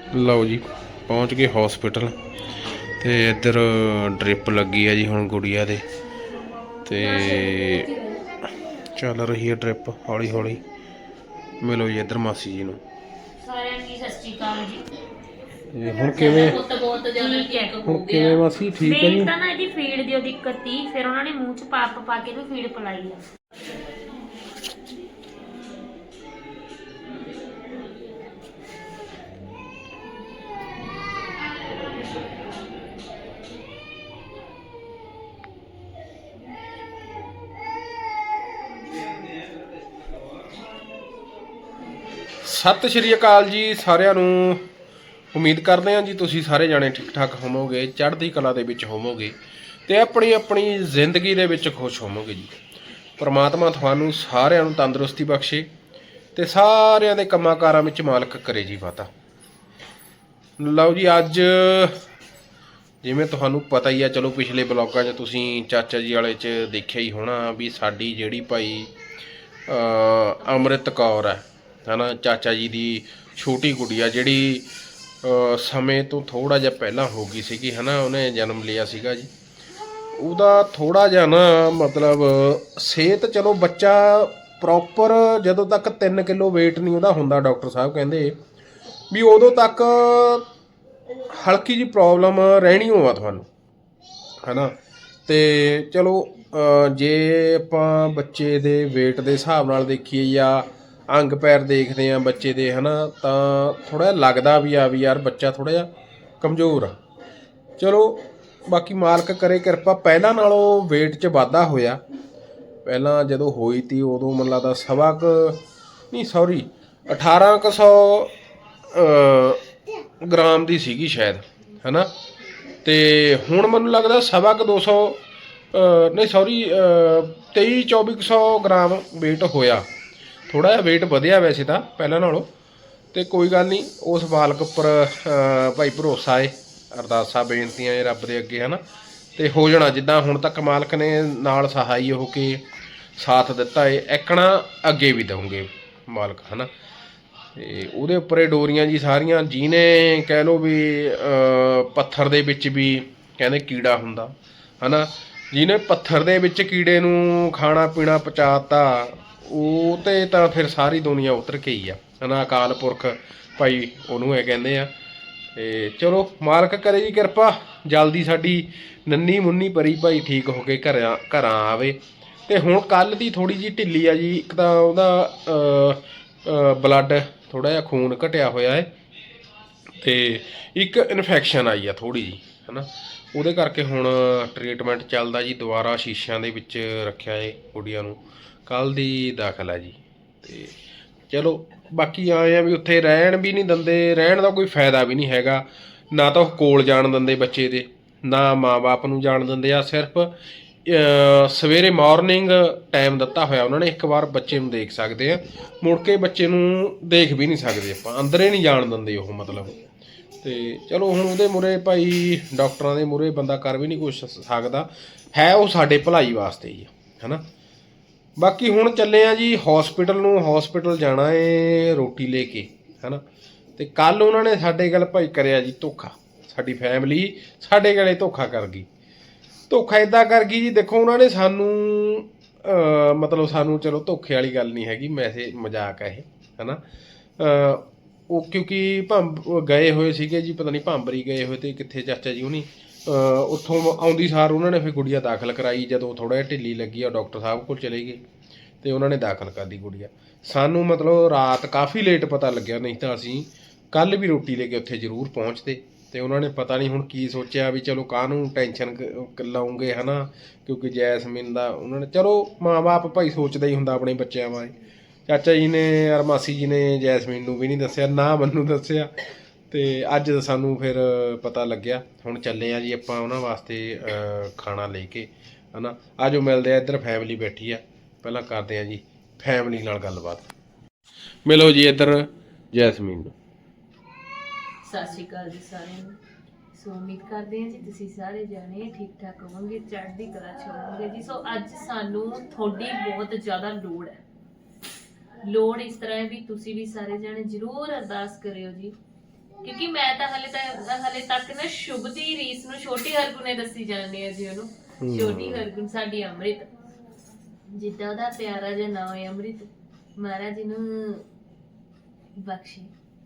ਲਓ ਜੀ ਪਹੁੰਚ ਗਏ ਹਸਪੀਟਲ ਤੇ ਇੱਧਰ ਡ੍ਰਿਪ ਲੱਗੀ ਆ ਜੀ ਹੁਣ ਗੁੜੀਆ ਦੇ ਤੇ ਚੱਲ ਰਹੀ ਹੈ ਡ੍ਰਿਪ ਹੌਲੀ ਹੌਲੀ। ਮਿਲੋ ਜੀ ਇੱਧਰ ਮਾਸੀ ਜੀ ਨੂੰ। ਸਾਰਿਆਂ ਨੂੰ ਸਤਿ ਸ਼੍ਰੀ ਅਕਾਲ ਜੀ। ਹੁਣ ਕਿਵੇਂ ਬਹੁਤ ਜ਼ਿਆਦਾ ਚੈੱਕ ਹੋ ਹੁਣ ਗਿਆ ਕਿਵੇਂ ਮਾਸੀ ਠੀਕ ਹੈ ਜੀ? ਤਾਂ ਨਾ ਇਹਦੀ ਫੀਡ ਦੀ ਦਿੱਕਤ ਸੀ, ਫਿਰ ਉਹਨਾਂ ਨੇ ਮੂੰਹ 'ਚ ਪਾਪ ਪਾ ਕੇ ਇਹਨੂੰ ਫੀਡ ਪਿਲਾਈ ਆ। ਸਤਿ ਸ਼੍ਰੀ ਅਕਾਲ ਜੀ ਸਾਰਿਆਂ ਨੂੰ। ਉਮੀਦ ਕਰਦੇ ਹਾਂ ਜੀ ਤੁਸੀਂ ਸਾਰੇ ਜਾਣੇ ਠੀਕ ਠਾਕ ਹੋਵੋਗੇ, ਚੜ੍ਹਦੀ ਕਲਾ ਦੇ ਵਿੱਚ ਹੋਵੋਗੇ ਤੇ ਆਪਣੀ ਆਪਣੀ ਜ਼ਿੰਦਗੀ ਦੇ ਵਿੱਚ ਖੁਸ਼ ਹੋਵੋਗੇ ਜੀ। ਪਰਮਾਤਮਾ ਤੁਹਾਨੂੰ ਸਾਰਿਆਂ ਨੂੰ ਤੰਦਰੁਸਤੀ ਬਖਸ਼ੇ ਤੇ ਸਾਰਿਆਂ ਦੇ ਕੰਮਾਂ ਕਾਰਾਂ ਵਿੱਚ ਮਾਲਕ ਕਰੇ ਜੀ ਵਾਧਾ। ਲਓ ਜੀ ਅੱਜ ਜਿਵੇਂ ਤੁਹਾਨੂੰ ਪਤਾ ਹੀ ਆ, ਚਲੋ ਪਿਛਲੇ ਬਲੌਗਾਂ 'ਚ ਤੁਸੀਂ ਚਾਚਾ ਜੀ ਵਾਲੇ 'ਚ ਦੇਖਿਆ ਹੀ ਹੋਣਾ ਵੀ ਸਾਡੀ ਜਿਹੜੀ ਭਾਈ ਅੰਮ੍ਰਿਤ ਕੌਰ ਹੈ ਨਾ, ਚਾਚਾ ਜੀ ਦੀ ਛੋਟੀ ਗੁੜੀਆ ਜਿਹੜੀ ਸਮੇਂ ਤੋਂ ਥੋੜ੍ਹਾ ਜਿਹਾ ਪਹਿਲਾਂ ਹੋ ਗਈ ਸੀਗੀ ਹੈ ਨਾ, ਉਹਨੇ ਜਨਮ ਲਿਆ ਸੀਗਾ ਜੀ। ਉਹਦਾ ਥੋੜ੍ਹਾ ਜਿਹਾ ਨਾ ਮਤਲਬ ਸਿਹਤ, ਚਲੋ ਬੱਚਾ ਪ੍ਰੋਪਰ ਜਦੋਂ ਤੱਕ 3 ਕਿਲੋ ਵੇਟ ਨਹੀਂ ਉਹਦਾ ਹੁੰਦਾ, ਡਾਕਟਰ ਸਾਹਿਬ ਕਹਿੰਦੇ ਵੀ ਉਦੋਂ ਤੱਕ ਹਲਕੀ ਜਿਹੀ ਪ੍ਰੋਬਲਮ ਰਹਿਣੀ ਹੋਵਾ ਤੁਹਾਨੂੰ ਹੈ ਨਾ। ਤੇ ਚਲੋ ਜੇ ਆਪਾਂ ਬੱਚੇ ਦੇ ਵੇਟ ਦੇ ਹਿਸਾਬ ਨਾਲ ਦੇਖੀਏ ਜਾਂ ਅੰਗ ਪੈਰ ਦੇਖਦੇ ਹਾਂ ਬੱਚੇ ਦੇ ਹੈ ਨਾ, ਤਾਂ ਥੋੜ੍ਹਾ ਜਿਹਾ ਲੱਗਦਾ ਵੀ ਯਾਰ ਬੱਚਾ ਥੋੜ੍ਹਾ ਜਿਹਾ ਕਮਜ਼ੋਰ ਆ। ਚਲੋ ਬਾਕੀ ਮਾਲਕ ਕਰੇ ਕਿਰਪਾ। ਪਹਿਲਾਂ ਨਾਲੋਂ ਵੇਟ 'ਚ ਵਾਧਾ ਹੋਇਆ। ਪਹਿਲਾਂ ਜਦੋਂ ਹੋਈ ਤੀ ਉਦੋਂ ਮੈਨੂੰ ਲੱਗਦਾ 1800 ਗ੍ਰਾਮ ਦੀ ਸੀਗੀ ਸ਼ਾਇਦ ਹੈ ਨਾ, ਤੇ ਹੁਣ ਮੈਨੂੰ ਲੱਗਦਾ 250 ਨਹੀਂ 2300-2400 ਗ੍ਰਾਮ ਵੇਟ ਹੋਇਆ। ਥੋੜ੍ਹਾ ਜਿਹਾ ਵੇਟ ਵਧਿਆ ਵੈਸੇ ਤਾਂ ਪਹਿਲਾਂ ਨਾਲੋਂ, ਤੇ ਕੋਈ ਗੱਲ ਨਹੀਂ, ਉਸ ਮਾਲਕ ਉੱਪਰ ਭਾਈ ਭਰੋਸਾ ਏ, ਅਰਦਾਸਾਂ ਬੇਨਤੀਆਂ ਏ ਰੱਬ ਦੇ ਅੱਗੇ ਹੈ ਨਾ, ਤੇ ਹੋ ਜਾਣਾ ਜਿੱਦਾਂ ਹੁਣ ਤੱਕ ਮਾਲਕ ਨੇ ਨਾਲ ਸਹਾਈ ਹੋ ਕੇ ਸਾਥ ਦਿੱਤਾ ਏ, ਐਕਣਾ ਅੱਗੇ ਵੀ ਦਊਂਗੇ ਮਾਲਕ ਹੈ ਨਾ। ਤੇ ਉਹਦੇ ਉੱਪਰ ਇਹ ਡੋਰੀਆਂ ਜੀ ਸਾਰੀਆਂ, ਜਿਹਨੇ ਕਹਿ ਲਓ ਵੀ ਪੱਥਰ ਦੇ ਵਿੱਚ ਵੀ ਕਹਿੰਦੇ ਕੀੜਾ ਹੁੰਦਾ ਹੈ ਨਾ, ਜਿਹਨੇ ਪੱਥਰ ਦੇ ਵਿੱਚ ਕੀੜੇ ਨੂੰ ਖਾਣਾ ਪੀਣਾ ਪਹੁੰਚਾਤਾ, ਉਹ ਤੇ ਤਾਂ ਫਿਰ ਸਾਰੀ ਦੁਨੀਆ ਉਤਰ ਕੇ ਹੀ ਆ ਹੈ ਨਾ। ਅਕਾਲ ਪੁਰਖ ਭਾਈ ਉਹਨੂੰ ਇਹ ਕਹਿੰਦੇ ਆ। ਤੇ ਚਲੋ ਮਾਲਕ ਕਰੇ ਜੀ ਕਿਰਪਾ, ਜਲਦੀ ਸਾਡੀ ਨੰਨੀ ਮੁੰਨੀ ਪਰੀ ਭਾਈ ਠੀਕ ਹੋ ਕੇ ਘਰਾਂ ਆਵੇ। ਤੇ ਹੁਣ ਕੱਲ੍ਹ ਦੀ ਥੋੜ੍ਹੀ ਜਿਹੀ ਢਿੱਲੀ ਆ ਜੀ। ਇੱਕ ਤਾਂ ਉਹਦਾ ਬਲੱਡ ਥੋੜ੍ਹਾ ਜਿਹਾ ਖੂਨ ਘਟਿਆ ਹੋਇਆ ਹੈ, ਤੇ ਇੱਕ ਇਨਫੈਕਸ਼ਨ ਆਈ ਆ ਥੋੜ੍ਹੀ ਜਿਹੀ ਹੈ ਨਾ, ਉਹਦੇ ਕਰਕੇ ਹੁਣ ਟਰੀਟਮੈਂਟ ਚੱਲਦਾ ਜੀ। ਦੁਬਾਰਾ ਸ਼ੀਸ਼ਿਆਂ ਦੇ ਵਿੱਚ ਰੱਖਿਆ ਏ ਗੁੜੀਆਂ ਨੂੰ, ਕੱਲ੍ਹ ਦੀ ਦਾਖਲ ਹੈ ਜੀ। ਤੇ ਚਲੋ ਬਾਕੀ ਆਏ ਆ ਵੀ ਉੱਥੇ ਰਹਿਣ ਵੀ ਨਹੀਂ ਦਿੰਦੇ, ਰਹਿਣ ਦਾ ਕੋਈ ਫਾਇਦਾ ਵੀ ਨਹੀਂ ਹੈਗਾ। ਨਾ ਤਾਂ ਉਹ ਕੋਲ ਜਾਣ ਦਿੰਦੇ ਬੱਚੇ ਦੇ, ਨਾ ਮਾਂ ਬਾਪ ਨੂੰ ਜਾਣ ਦਿੰਦੇ ਆ। ਸਿਰਫ ਸਵੇਰੇ ਮਾਰਨਿੰਗ ਟਾਈਮ ਦਿੱਤਾ ਹੋਇਆ ਉਹਨਾਂ ਨੇ, ਇੱਕ ਵਾਰ ਬੱਚੇ ਨੂੰ ਦੇਖ ਸਕਦੇ ਆ, ਮੁੜ ਕੇ ਬੱਚੇ ਨੂੰ ਦੇਖ ਵੀ ਨਹੀਂ ਸਕਦੇ ਆਪਾਂ, ਅੰਦਰੇ ਨਹੀਂ ਜਾਣ ਦਿੰਦੇ ਉਹ ਮਤਲਬ। ਤੇ ਚਲੋ ਹੁਣ ਉਹਦੇ ਮੂਹਰੇ ਭਾਈ ਡਾਕਟਰਾਂ ਦੇ ਮੂਹਰੇ ਬੰਦਾ ਕਰ ਵੀ ਨਹੀਂ ਕੁਛ ਸਕਦਾ, ਹੈ ਉਹ ਸਾਡੇ ਭਲਾਈ ਵਾਸਤੇ ਹੀ ਹੈ ਨਾ। ਬਾਕੀ ਹੁਣ ਚੱਲੇ ਆ ਜੀ ਹਸਪੀਟਲ ਨੂੰ, ਹਸਪੀਟਲ ਜਾਣਾ ਏ ਰੋਟੀ ਲੈ ਕੇ ਹੈ ਨਾ। ਤੇ ਕੱਲ੍ਹ ਉਹਨਾਂ ਨੇ ਸਾਡੇ ਗੱਲ ਭਾਈ ਕਰਿਆ ਜੀ ਧੋਖਾ, ਸਾਡੀ ਫੈਮਿਲੀ ਸਾਡੇ ਗਲੇ ਧੋਖਾ ਕਰ ਗਈ। ਧੋਖਾ ਇੱਦਾਂ ਕਰ ਗਈ ਜੀ, ਦੇਖੋ ਉਹਨਾਂ ਨੇ ਸਾਨੂੰ ਮਤਲਬ ਸਾਨੂੰ, ਚਲੋ ਧੋਖੇ ਵਾਲੀ ਗੱਲ ਨਹੀਂ ਹੈਗੀ, ਵੈਸੇ ਮਜ਼ਾਕ ਹੈ ਇਹ ਹੈ ਨਾ। ਉਹ ਕਿਉਂਕਿ ਗਏ ਹੋਏ ਸੀਗੇ ਜੀ, ਪਤਾ ਨਹੀਂ ਭਾਂਬਰੀ ਗਏ ਹੋਏ ਤੇ ਕਿੱਥੇ ਚਾਚਾ ਜੀ ਹੁਣੀ, ਉੱਥੋਂ ਆਉਂਦੀ ਸਾਰ ਉਹਨਾਂ ਨੇ ਫਿਰ ਗੁੜੀਆ ਦਾਖਲ ਕਰਾਈ। ਜਦੋਂ ਥੋੜ੍ਹਾ ਜਿਹਾ ਢਿੱਲੀ ਲੱਗੀ ਆ ਡਾਕਟਰ ਸਾਹਿਬ ਕੋਲ ਚਲੇ ਗਏ ਤੇ ਉਹਨਾਂ ਨੇ ਦਾਖਲ ਕਰ ਦਿੱਤੀ ਗੁੜੀਆ। ਸਾਨੂੰ ਮਤਲਬ ਰਾਤ ਕਾਫੀ ਲੇਟ ਪਤਾ ਲੱਗਿਆ, ਨਹੀਂ ਤਾਂ ਅਸੀਂ ਕੱਲ੍ਹ ਵੀ ਰੋਟੀ ਲੈ ਕੇ ਉੱਥੇ ਜ਼ਰੂਰ ਪਹੁੰਚਦੇ। ਤੇ ਉਹਨਾਂ ਨੇ ਪਤਾ ਨਹੀਂ ਹੁਣ ਕੀ ਸੋਚਿਆ ਵੀ ਚਲੋ ਕਾਹਨੂੰ ਟੈਨਸ਼ਨ ਲਾਉਂਗੇ ਹੈ ਨਾ, ਕਿਉਂਕਿ ਜੈਸਮੀਨ ਦਾ ਉਹਨਾਂ ਨੇ, ਚਲੋ ਮਾਂ ਬਾਪ ਭਾਈ ਸੋਚਦਾ ਹੀ ਹੁੰਦਾ ਆਪਣੇ ਬੱਚਿਆਂ ਬਾਰੇ। ਚਾਚਾ ਜੀ ਨੇ ਔਰ ਮਾਸੀ ਜੀ ਨੇ ਜੈਸਮੀਨ ਨੂੰ ਵੀ ਨਹੀਂ ਦੱਸਿਆ, ਨਾ ਮੈਨੂੰ ਦੱਸਿਆ, ਤੇ ਅੱਜ ਸਾਨੂੰ ਫਿਰ ਪਤਾ ਲੱਗਿਆ। ਹੁਣ ਚੱਲੇ ਆ ਜੀ ਆਪਾਂ ਉਹਨਾਂ ਵਾਸਤੇ ਖਾਣਾ ਲੈ ਕੇ ਹੈ ਨਾ। ਆ ਜੋ ਮਿਲਦੇ ਆ, ਇੱਧਰ ਫੈਮਿਲੀ ਬੈਠੀ ਆ, ਪਹਿਲਾਂ ਕਰਦੇ ਆ ਜੀ ਫੈਮਿਲੀ ਨਾਲ ਗੱਲਬਾਤ। ਮਿਲੋ ਜੀ ਇੱਧਰ ਜੈਸਮੀਨ ਨੂੰ। ਸਤਿ ਸ਼੍ਰੀ ਅਕਾਲ ਜੀ ਸਾਰਿਆਂ ਨੂੰ। ਸੋ ਉਮੀਦ ਕਰਦੇ ਹਾਂ ਜੀ ਤੁਸੀਂ ਸਾਰੇ ਜਾਣੇ ਠੀਕ ਠਾਕ ਹੋਵੋਗੇ, ਚੜ੍ਹਦੀ ਕਲਾ ਚ ਹੋਵੋਗੇ ਜੀ। ਸੋ ਅੱਜ ਸਾਨੂੰ ਤੁਹਾਡੀ ਬਹੁਤ ਜ਼ਿਆਦਾ ਲੋੜ ਹੈ। ਲੋੜ ਇਸ ਤਰ੍ਹਾਂ ਹੈ ਵੀ ਤੁਸੀਂ ਵੀ ਸਾਰੇ ਜਾਣੇ ਜ਼ਰੂਰ ਅਰਦਾਸ ਕਰਿਓ ਜੀ ਕਿਉਂਕਿ ਮੈਂ ਤਾਂ ਹਲੇ ਤੱਕ ਨਾ ਸ਼ੁਭ ਦੀ ਰੀਸ ਨੂੰ ਛੋਟੀ ਹਰਗੁਣ ਨੇ ਦੱਸੀ ਜਾਂਦੀ ਹੈ ਜੀ ਉਹਨੂੰ। ਛੋਟੀ ਹਰਗੁਣ ਸਾਡੀ ਅੰਮ੍ਰਿਤ, ਜਿੱਦਾਂ ਉਹਦਾ ਪਿਆਰਾ ਜਿਹਾ ਨਾਮ ਹੈ ਅੰਮ੍ਰਿਤ, ਮਹਾਰਾਜ ਜੀ ਨੂੰ ਬਖਸ਼ੇ,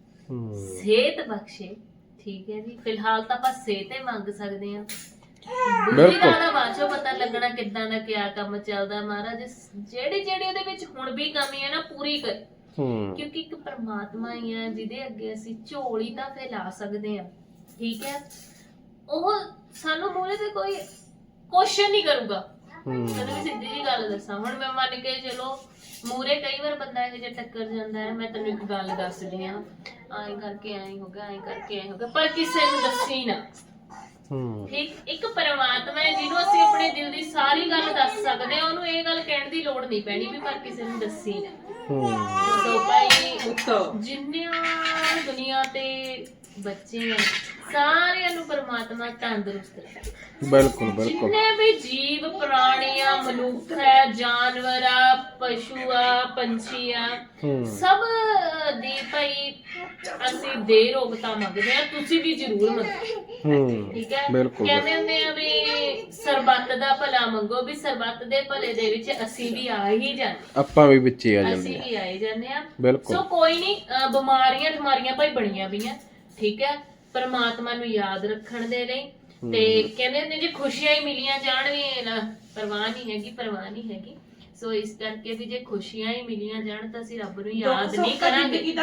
ਸਿਹਤ ਬਖਸ਼ੇ। ਠੀਕ ਹੈ ਜੀ, ਫਿਲਹਾਲ ਤਾਂ ਆਪਾਂ ਸਿਹਤ ਹੀ ਮੰਗ ਸਕਦੇ ਹਾਂ। ਬਿਲਕੁਲ ਦਾ ਬਾਅਦ ਚੋਂ ਪਤਾ ਲੱਗਣਾ ਕਿੱਦਾਂ ਦਾ ਕਿਆ ਕੰਮ ਚੱਲਦਾ। ਮਹਾਰਾਜ ਜਿਹੜੀ ਉਹਦੇ ਵਿੱਚ ਹੁਣ ਵੀ ਕਮੀ ਹੈ ਨਾ ਪੂਰੀ ਕਰ, ਕਿਉਂਕਿ ਇੱਕ ਪਰਮਾਤਮਾ ਹੀ ਹੈ ਜਿਹਦੇ ਅੱਗੇ ਅਸੀਂ ਝੋਲੀ ਤਾਂ ਫੈਲਾ ਸਕਦੇ ਹਾਂ। ਠੀਕ ਹੈ, ਉਹ ਸਾਨੂੰ ਮੂਹਰੇ ਤੇ ਕੋਈ ਕੁਐਸਚਨ ਨਹੀਂ ਕਰੂਗਾ। ਤੈਨੂੰ ਵੀ ਸਿੱਧੀ ਜੀ ਗੱਲ ਦੱਸਾਂ, ਹੁਣ ਮੈਂ ਮੰਨ ਕੇ ਚਲੋ ਮੂਹਰੇ ਕਈ ਵਾਰ ਬੰਦਾ ਇਹੋ ਜਿਹਾ ਟੱਕਰ ਜਾਂਦਾ ਹੈ, ਮੈਂ ਤੈਨੂੰ ਇੱਕ ਗੱਲ ਦੱਸਦੀ ਹਾਂ, ਐਂ ਕਰਕੇ ਐਂ ਹੋ ਗਿਆ, ਐਂ ਕਰਕੇ ਐਂ ਹੋ ਗਿਆ, ਪਰ ਕਿਸੇ ਨੂੰ ਦੱਸੀ ਨਾ। ਠੀਕ, ਇੱਕ ਪਰਮਾਤਮਾ ਹੈ ਜਿਹਨੂੰ ਅਸੀਂ ਆਪਣੇ ਦਿਲ ਦੀ ਸਾਰੀ ਗੱਲ ਦੱਸ ਸਕਦੇ ਹਾਂ, ਉਹਨੂੰ ਇਹ ਗੱਲ ਕਹਿਣ ਦੀ ਲੋੜ ਨਹੀਂ ਪੈਣੀ ਵੀ ਪਰ ਕਿਸੇ ਨੂੰ ਦੱਸੀ ਨਾ। ਸੋ ਭਾਈ ਜਿੰਨੀਆਂ ਦੁਨੀਆ ਤੇ ਬੱਚੇ ਆ ਸਾਰਿਆਂ ਨੂੰ ਪਰਮਾਤਮਾ ਤੰਦਰੁਸਤ ਰੱਖੇ। ਬਿਲਕੁਲ ਬਿਲਕੁਲ। ਜਿੰਨੇ ਵੀ ਜੀਵ ਪ੍ਰਾਣੀ ਆ, ਮਨੁੱਖ ਹੈ, ਜਾਨਵਰ ਆ, ਪਸ਼ੂ ਆ, ਪੰਛੀ ਆ, ਸਭ ਦੀ ਭਾਈ ਅਸੀਂ ਦੇ ਰੋਗਤਾ ਮੰਗਦੇ ਆ, ਤੁਸੀਂ ਵੀ ਜ਼ਰੂਰ ਮੰਗੋ। ਠੀਕ ਹੈ, ਕਹਿੰਦੇ ਹੁੰਦੇ ਆ ਵੀ ਸਰਬੱਤ ਦਾ ਭਲਾ ਮੰਗੋ, ਵੀ ਸਰਬੱਤ ਦੇ ਭਲੇ ਦੇ ਵਿੱਚ ਅਸੀਂ ਵੀ ਆ ਹੀ ਜਾਂਦੇ, ਆਪਾਂ ਵੀ ਵਿੱਚੇ ਆ ਜਾਂਦੇ, ਅਸੀਂ ਵੀ ਆਏ ਜਾਂਦੇ ਆ। ਸੋ ਕੋਈ ਨਹੀਂ, ਬਿਮਾਰੀਆਂ ਭਾਈ ਬਣੀਆਂ ਪਈਆਂ। ਠੀਕ ਹੈ, ਪਰਮਾਤਮਾ ਨੂੰ ਯਾਦ ਰੱਖਣ ਦੇ ਲਈ ਤੇ ਕਹਿੰਦੇ ਹੁੰਦੇ ਜੇ ਖੁਸ਼ੀਆਂ ਹੀ ਮਿਲੀਆਂ ਜਾਣ ਵੀ ਨਾ ਪਰਵਾਹ ਨਹੀਂ ਹੈਗੀ। ਸੋ ਇਸ ਕਰਕੇ ਵੀ ਜੇ ਖੁਸ਼ੀਆਂ ਹੀ ਮਿਲੀਆਂ ਜਾਣ ਤਾਂ ਅਸੀਂ ਰੱਬ ਨੂੰ ਯਾਦ ਨਹੀਂ ਕਰਾਂਗੇ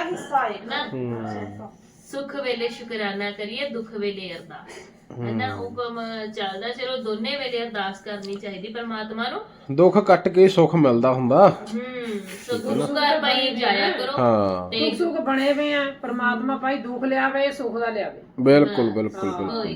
ਨਾ। ਸੁੱਖ ਵੇਲੇ ਸ਼ੁਕਰਾਨਾ ਕਰੀਏ, ਦੁੱਖ ਵੇਲੇ ਅਰਦਾਸ ਹੈ ਨਾ। ਹੁਕਮ ਚੱਲਦਾ, ਚਲੋ ਦੋਨੇ ਵੇਲੇ ਅਰਦਾਸ ਕਰਨੀ ਚਾਹੀਦੀ ਪਰਮਾਤਮਾ ਨੂੰ। ਦੁੱਖ ਕੱਟ ਕੇ ਸੁੱਖ ਮਿਲਦਾ ਹੁੰਦਾ। ਸੋ ਗੁਰੂ ਘਰ ਭਾਈ ਜਾਇਆ ਕਰੋ ਤੇ ਸੁੱਖ ਬਣੇ ਵੇ ਆ। ਪਰਮਾਤਮਾ ਭਾਈ ਦੁੱਖ ਲਿਆਵੇ, ਸੁੱਖ ਦਾ ਲਿਆਵੇ। ਬਿਲਕੁਲ ਬਿਲਕੁਲ ਬਿਲਕੁਲ।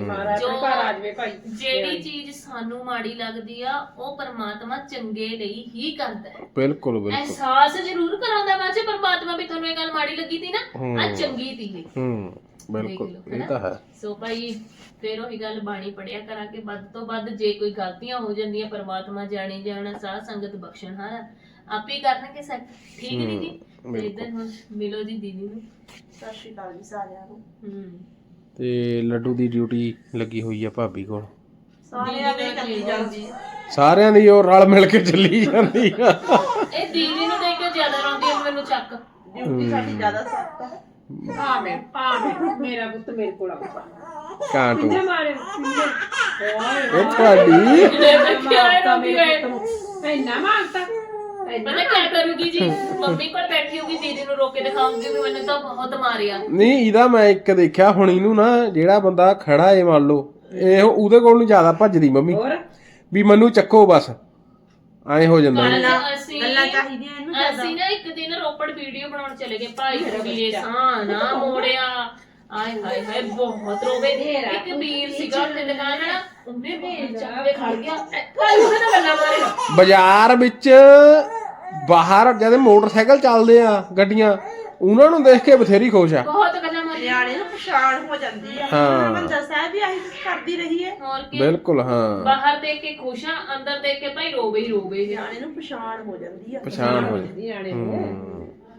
ਜਿਹੜੀ ਚੀਜ਼ ਸਾਨੂੰ ਮਾੜੀ ਲੱਗਦੀ ਆ ਉਹ ਪਰਮਾਤਮਾ ਚੰਗੇ ਲਈ ਹੀ ਕਰਦਾ ਹੈ। ਬਿਲਕੁਲ ਬਿਲਕੁਲ। ਅਹਿਸਾਸ ਜ਼ਰੂਰ ਕਰਾਉਂਦਾ ਬਾਅਦ ਚ ਪਰਮਾਤਮਾ ਵੀ ਤੁਹਾਨੂੰ ਇਹ ਗੱਲ ਮਾੜੀ ਲੱਗੀ ਸੀ ਨਾ, ਆ ਚੰਗੀ ਸੀ। ਬਿਲਕੁਲ, ਇਹ ਤਾਂ ਹੈ। ਸੋ ਭਾਈ ਫਿਰ ਉਹੀ ਗੱਲ ਬਾਣੀ ਪੜਿਆ ਕਰਾਂਗੇ ਵੱਧ ਤੋਂ ਵੱਧ। ਜੇ ਕੋਈ ਗਲਤੀਆਂ ਹੋ ਜਾਂਦੀਆਂ ਪਰਮਾਤਮਾ ਜਾਣੇ ਜਾਣਾ, ਸਾਧ ਸੰਗਤ ਬਖਸ਼ਣ ਹਾਰਾ ਆਪੇ ਕਰਨਗੇ ਸਭ। ਠੀਕ ਨਹੀਂ ਜੀ। ਇਦਾਂ ਹੁਣ ਮਿਲੋ ਜੀ ਦੀਦੀ ਨੂੰ। ਸਤਿ ਸ਼੍ਰੀ ਅਕਾਲ ਜੀ ਸਾਰਿਆਂ ਨੂੰ। ਤੇ ਲੱਡੂ ਦੀ ਡਿਊਟੀ ਲੱਗੀ ਹੋਈ ਆ ਭਾਬੀ ਕੋਲ, ਸਾਰਿਆਂ ਦੀ ਉਹ ਰਲ ਮਿਲ ਕੇ ਚੱਲੀ ਜਾਂਦੀ ਆ। ਇਹ ਦੀਦੀ ਨੂੰ ਦੇਖ ਕੇ ਜ਼ਿਆਦਾ ਰੋਂਦੀ ਹੈ, ਮੈਨੂੰ ਚੱਕ ਡਿਊਟੀ ਸਾਡੀ ਜ਼ਿਆਦਾ ਸਖਤ ਹੈ। ਮੇਰਾ ਪੁੱਤ ਮੇਰੇ ਕੋਲ ਆਉਂਦਾ ਕਾਂਟੂ ਮਾਰੇ ਇਹ ਤੁਹਾਡੀ ਇੰਨਾ ਮਾਰਤਾ। ਪਤਾ ਕੀ ਕਰੂਗੀ ਜੀ, ਮੰਮੀ ਕੋਲ ਬੈਠੀ ਹੋਊਗੀ, ਦੀਦੀ ਨੂੰ ਰੋਕ ਕੇ ਦਿਖਾਉਂਗੀ ਵੀ ਮੈਨੂੰ ਤਾਂ ਬਹੁਤ ਮਾਰਿਆ। ਨਹੀਂ, ਇਹਦਾ ਮੈਂ ਇੱਕ ਦੇਖਿਆ ਹੁਣ, ਇਹਨੂੰ ਨਾ ਜਿਹੜਾ ਬੰਦਾ ਖੜਾ ਏ ਮੰਨ ਲਓ, ਇਹ ਉਹਦੇ ਕੋਲ ਨੂੰ ਜ਼ਿਆਦਾ ਭੱਜਦੀ ਮੰਮੀ ਵੀ ਮੈਨੂੰ ਚੱਕੋ ਬਸ, ਐਂ ਹੋ ਜਾਂਦਾ। ਗੱਲਾਂ ਚਾਹੀਦੀਆਂ ਇਹਨੂੰ। ਅਸੀਂ ਨਾ ਇੱਕ ਦਿਨ ਰੋਪੜ ਵੀਡੀਓ ਬਣਾਉਣ ਚਲੇ ਗਏ, ਭਾਈ ਰਵੀਏ ਸਾਹ ਨਾ ਮੋੜਿਆ, ਆਏ ਹਾਏ ਹਾਏ ਬਹੁਤ ਰੋਵੇ। ਇੱਕ ਵੀਰ ਸੀਗਾ ਉੱਥੇ ਦੁਕਾਨ ਵਾਲਾ, ਉਹਨੇ ਵੇਲ ਚੱਕ ਕੇ ਖੜ ਗਿਆ, ਭਾਈ ਉਹਦੇ ਨਾਲ ਗੱਲਾਂ ਮਾਰੇਗਾ। ਬਾਜ਼ਾਰ ਵਿੱਚ ਬਾਹਰ ਜਦ ਮੋਟਰਸਾਈਕਲ ਚੱਲਦੇ ਆ, ਗੱਡੀਆਂ, ਉਹਨਾਂ ਨੂੰ ਦੇਖ ਕੇ ਬਥੇਰੀ ਖੁਸ਼ ਆ। ਬਹੁਤ ਗੱਲਾਂ ਮਾਰੀਆਂ। ਨਿਆਣੇ ਨੂੰ ਪਛਾਣ ਹੋ ਜਾਂਦੀ ਆ। ਹਾਂ, ਬੰਦਾ ਸਾਹਿਬ ਵੀ ਆਹੀ ਕਰਦੀ ਰਹੀ ਹੈ। ਹੋਰ ਕੀ, ਬਿਲਕੁਲ। ਹਾਂ, ਬਾਹਰ ਦੇਖ ਕੇ ਖੁਸ਼ ਆ, ਅੰਦਰ ਦੇਖ ਕੇ ਭਾਈ ਰੋਵੇ ਹੀ ਰੋਵੇ। ਨਿਆਣੇ ਨੂੰ ਪਛਾਣ ਹੋ ਜਾਂਦੀ ਆ। ਪਛਾਣ ਹੋ ਜਾਂਦੀ ਨਿਆਣੇ ਨੂੰ।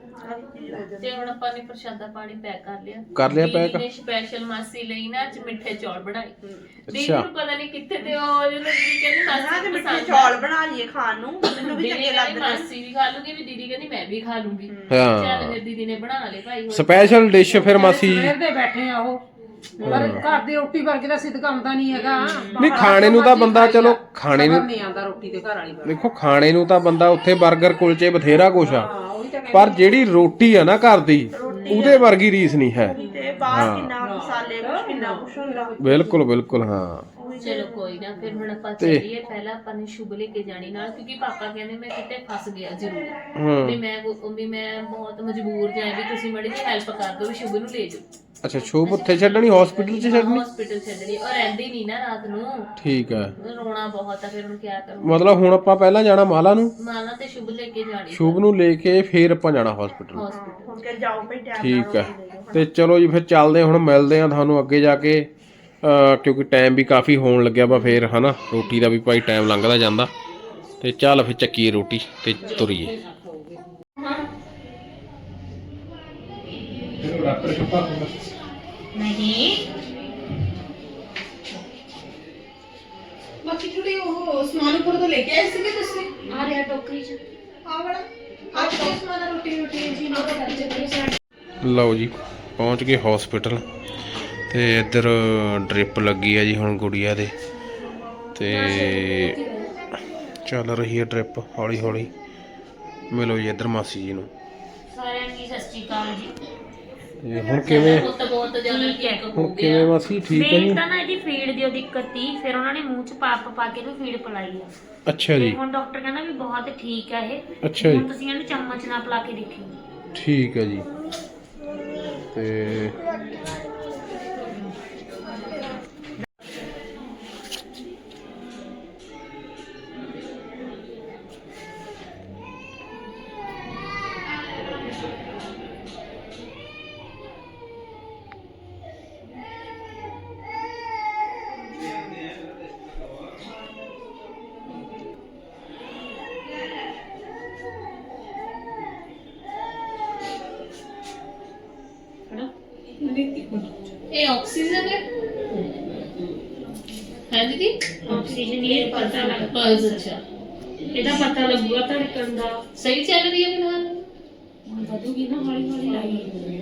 ਤੇ ਹੁਣ ਆਪਾਂ ਨੇ ਪ੍ਰਸ਼ਾਦਾ ਪਾਣੀ ਪੈਕ ਕਰ ਲਿਆ ਪੈਕ। ਨੇ ਸਪੈਸ਼ਲ ਮਾਸੀ ਲਈ ਨਾ ਅੱਜ ਮਿੱਠੇ ਚੌਲ ਬਣਾਏ। ਦੀਦੀ ਨੂੰ ਪਤਾ ਨਹੀਂ ਕਿੱਥੇ ਤੇ ਉਹ ਜਦੋਂ ਦੀਦੀ ਕਹਿੰਦੀ ਮਾਸੀ ਤੇ ਮਿੱਠੇ ਚੌਲ ਬਣਾ ਲਈਏ ਖਾਣ ਨੂੰ, ਮੈਨੂੰ ਵੀ ਚੰਗੇ ਲੱਗਦੇ। ਮਾਸੀ ਵੀ ਖਾ ਲੂਗੀ, ਵੀ ਦੀਦੀ ਕਹਿੰਦੀ ਮੈਂ ਵੀ ਖਾ ਲੂੰਗੀ। ਚੱਲ ਫਿਰ ਦੀਦੀ ਨੇ ਬਣਾ ਲਏ ਭਾਈ ਸਪੈਸ਼ਲ ਡਿਸ਼। ਫਿਰ ਮਾਸੀ ਦੇ ਬੈਠੇ ਆ ਉਹ, ਪਰ ਘਰ ਦੀ ਰੋਟੀ ਵਰਗੇ ਦਾ ਸਿੱਧ ਕੰਮ ਤਾਂ ਨਹੀਂ ਹੈਗਾ। ਨਹੀਂ, ਖਾਣੇ ਨੂੰ ਤਾਂ ਬੰਦਾ ਚਲੋ ਖਾਣੇ ਨੂੰ ਨਹੀਂ ਆਉਂਦਾ, ਰੋਟੀ ਤੇ ਘਰ ਵਾਲੀ ਦੇਖੋ, ਖਾਣੇ ਨੂੰ ਤਾਂ ਬੰਦਾ ਉੱਥੇ 버ਗਰ ਕੁਲਚੇ ਬਥੇਰਾ ਕੁਛ ਆ, ਪਰ ਜਿਹੜੀ ਰੋਟੀ ਆ ਨਾ ਘਰ ਦੀ, ਉਹਦੇ ਵਰਗੀ ਰੀਸ ਨਹੀਂ ਹੈ। ਤੇ ਬਾਹਰ ਕਿੰਨਾ ਮਸਾਲੇ ਕਿੰਨਾ ਕੁਛ ਹੁੰਦਾ। ਬਿਲਕੁਲ ਬਿਲਕੁਲ। ਹਾਂ, ਚਲੋ ਕੋਈ ਨਾ, ਫਿਰ ਹੁਣ ਆਪਾਂ ਚੱਲੀਏ। ਪਹਿਲਾਂ ਆਪਾਂ ਨੇ ਸ਼ੁਭ ਲੈ ਕੇ ਜਾਣੀ ਨਾਲ, ਕਿਉਂਕਿ ਪਾਪਾ ਕਹਿੰਦੇ ਮੈਂ ਕਿਤੇ ਫਸ ਗਿਆ ਜ਼ਰੂਰ, ਵੀ ਮੈਂ ਬਹੁਤ ਮਜਬੂਰ ਜਾਂ ਵੀ ਤੁਸੀਂ ਮੜੀ ਜੀ ਹੈਲਪ ਕਰ ਦਿਓ, ਵੀ ਸ਼ੁਭ ਨੂੰ ਲੈ ਜਾਓ। ਅੱਛਾ, ਸ਼ੁਭ ਉੱਥੇ ਛੱਡਣੀ, ਹਸਪੀਟਲ 'ਚ ਛੱਡਣੀ? ਹਸਪੀਟਲ ਛੱਡਣੀ, ਉਹ ਰਹਿੰਦੀ ਨਹੀਂ ਨਾ ਰਾਤ ਨੂੰ। ਠੀਕ ਹੈ, ਰੋਣਾ ਬਹੁਤ ਆ, ਫਿਰ ਹੁਣ ਕੀ ਕਰਾਂ। ਮਤਲਬ ਹੁਣ ਆਪਾਂ ਪਹਿਲਾਂ ਜਾਣਾ ਮਾਲਾ ਨੂੰ, ਮਾਲਾ ਤੇ ਸ਼ੁਭ ਲੈ ਕੇ ਜਾਣੀ, ਸ਼ੁਭ ਨੂੰ ਲੈ ਕੇ ਫਿਰ ਆਪਾਂ ਜਾਣਾ ਹਸਪੀਟਲ। ਹੁਣ ਕਿ ਜਾਓ ਭਈ ਟਾਈਮ ਨਾਲ। ਠੀਕ ਹੈ, ਤੇ ਚਲੋ ਜੀ ਫਿਰ ਚੱਲਦੇ, ਹੁਣ ਮਿਲਦੇ ਆ ਤੁਹਾਨੂੰ ਅੱਗੇ ਜਾ ਕੇ, ਕਿਉਂਕਿ ਟਾਈਮ ਵੀ ਕਾਫੀ ਹੋਣ ਲੱਗਿਆ ਵਾ ਫਿਰ, ਹਨਾ ਰੋਟੀ ਦਾ ਵੀ ਭਾਈ ਟਾਈਮ ਲੰਘਦਾ ਜਾਂਦਾ। ਤੇ ਚੱਲ ਫਿਰ ਚੱਕੀਏ ਰੋਟੀ ਤੇ ਤੁਰੀਏ। ਨਹੀਂ ਬਾਕੀ ਥੋੜੀ ਉਹ ਸਮਾਨ ਉੱਪਰ ਤੋਂ ਲੈ ਕੇ ਆਏ ਸੀਗੇ ਤੁਸੀਂ ਆ ਰਿਹਾ ਟੋਕਰੀ ਚ ਆ ਵਾਲਾ ਅੱਜ ਕੀ ਸਮਾਨ ਆ? ਰੋਟੀ ਜੀ ਨਾ ਕਰਦੇ ਲਓ ਜੀ ਪਹੁੰਚ ਗਏ ਹਸਪੀਟਲ ਤੇ ਇੱਧਰ ਡ੍ਰਿਪ ਲੱਗੀ ਆ ਜੀ ਹੁਣ ਗੁੜੀਆ ਦੇ ਤੇ ਚੱਲ ਰਹੀ ਹੈ ਡ੍ਰਿਪ ਹੌਲੀ ਹੌਲੀ। ਮਿਲੋ ਜੀ ਇੱਧਰ ਮਾਸੀ ਜੀ ਨੂੰ। ਸਾਰਿਆਂ ਨੂੰ ਸਤਿ ਸ਼੍ਰੀ ਅਕਾਲ ਜੀ। ਤੇ ਹੁਣ ਕਿਵੇਂ ਬਹੁਤ ਜ਼ਿਆਦਾ ਚੈੱਕ ਹੋ ਹੁਣ ਕਿਵੇਂ ਮਾਸੀ ਠੀਕ ਹੈ ਜੀ? ਤਾਂ ਨਾ ਇਹਦੀ ਫੀਡ ਦੀ ਦਿੱਕਤ ਸੀ, ਫਿਰ ਉਹਨਾਂ ਨੇ ਮੂੰਹ ਚ ਪਾ ਕੇ ਇਹਨੂੰ ਫੀਡ ਪਿਲਾਈ ਆ। ਅੱਛਾ ਜੀ। ਹੁਣ ਡਾਕਟਰ ਕਹਿੰਦਾ ਵੀ ਬਹੁਤ ਠੀਕ ਆ ਇਹ। ਅੱਛਾ ਜੀ। ਹੁਣ ਤੁਸੀਂ ਇਹਨੂੰ ਚਮਚ ਨਾਲ ਪਿਲਾ ਕੇ ਦੇਖਿਓ। ਠੀਕ ਹੈ ਜੀ। ਤੇ ਇਹ ਆਕਸੀਜਨ ਹੈ ਦੀਦੀ? ਆਕਸੀਜਨ ਇਹ ਪਤਾ ਲੱਗ ਅੱਛਾ ਇਹਦਾ ਪਤਾ ਲੱਗੂਗਾ ਧੜਕਣ ਦਾ। ਸਹੀ ਚੱਲ ਰਹੀ ਹੈ ਫਿਲਹਾਲ? ਵਧੂਗੀ ਨਾ ਹੌਲੀ ਹੌਲੀ ਲਾਈ।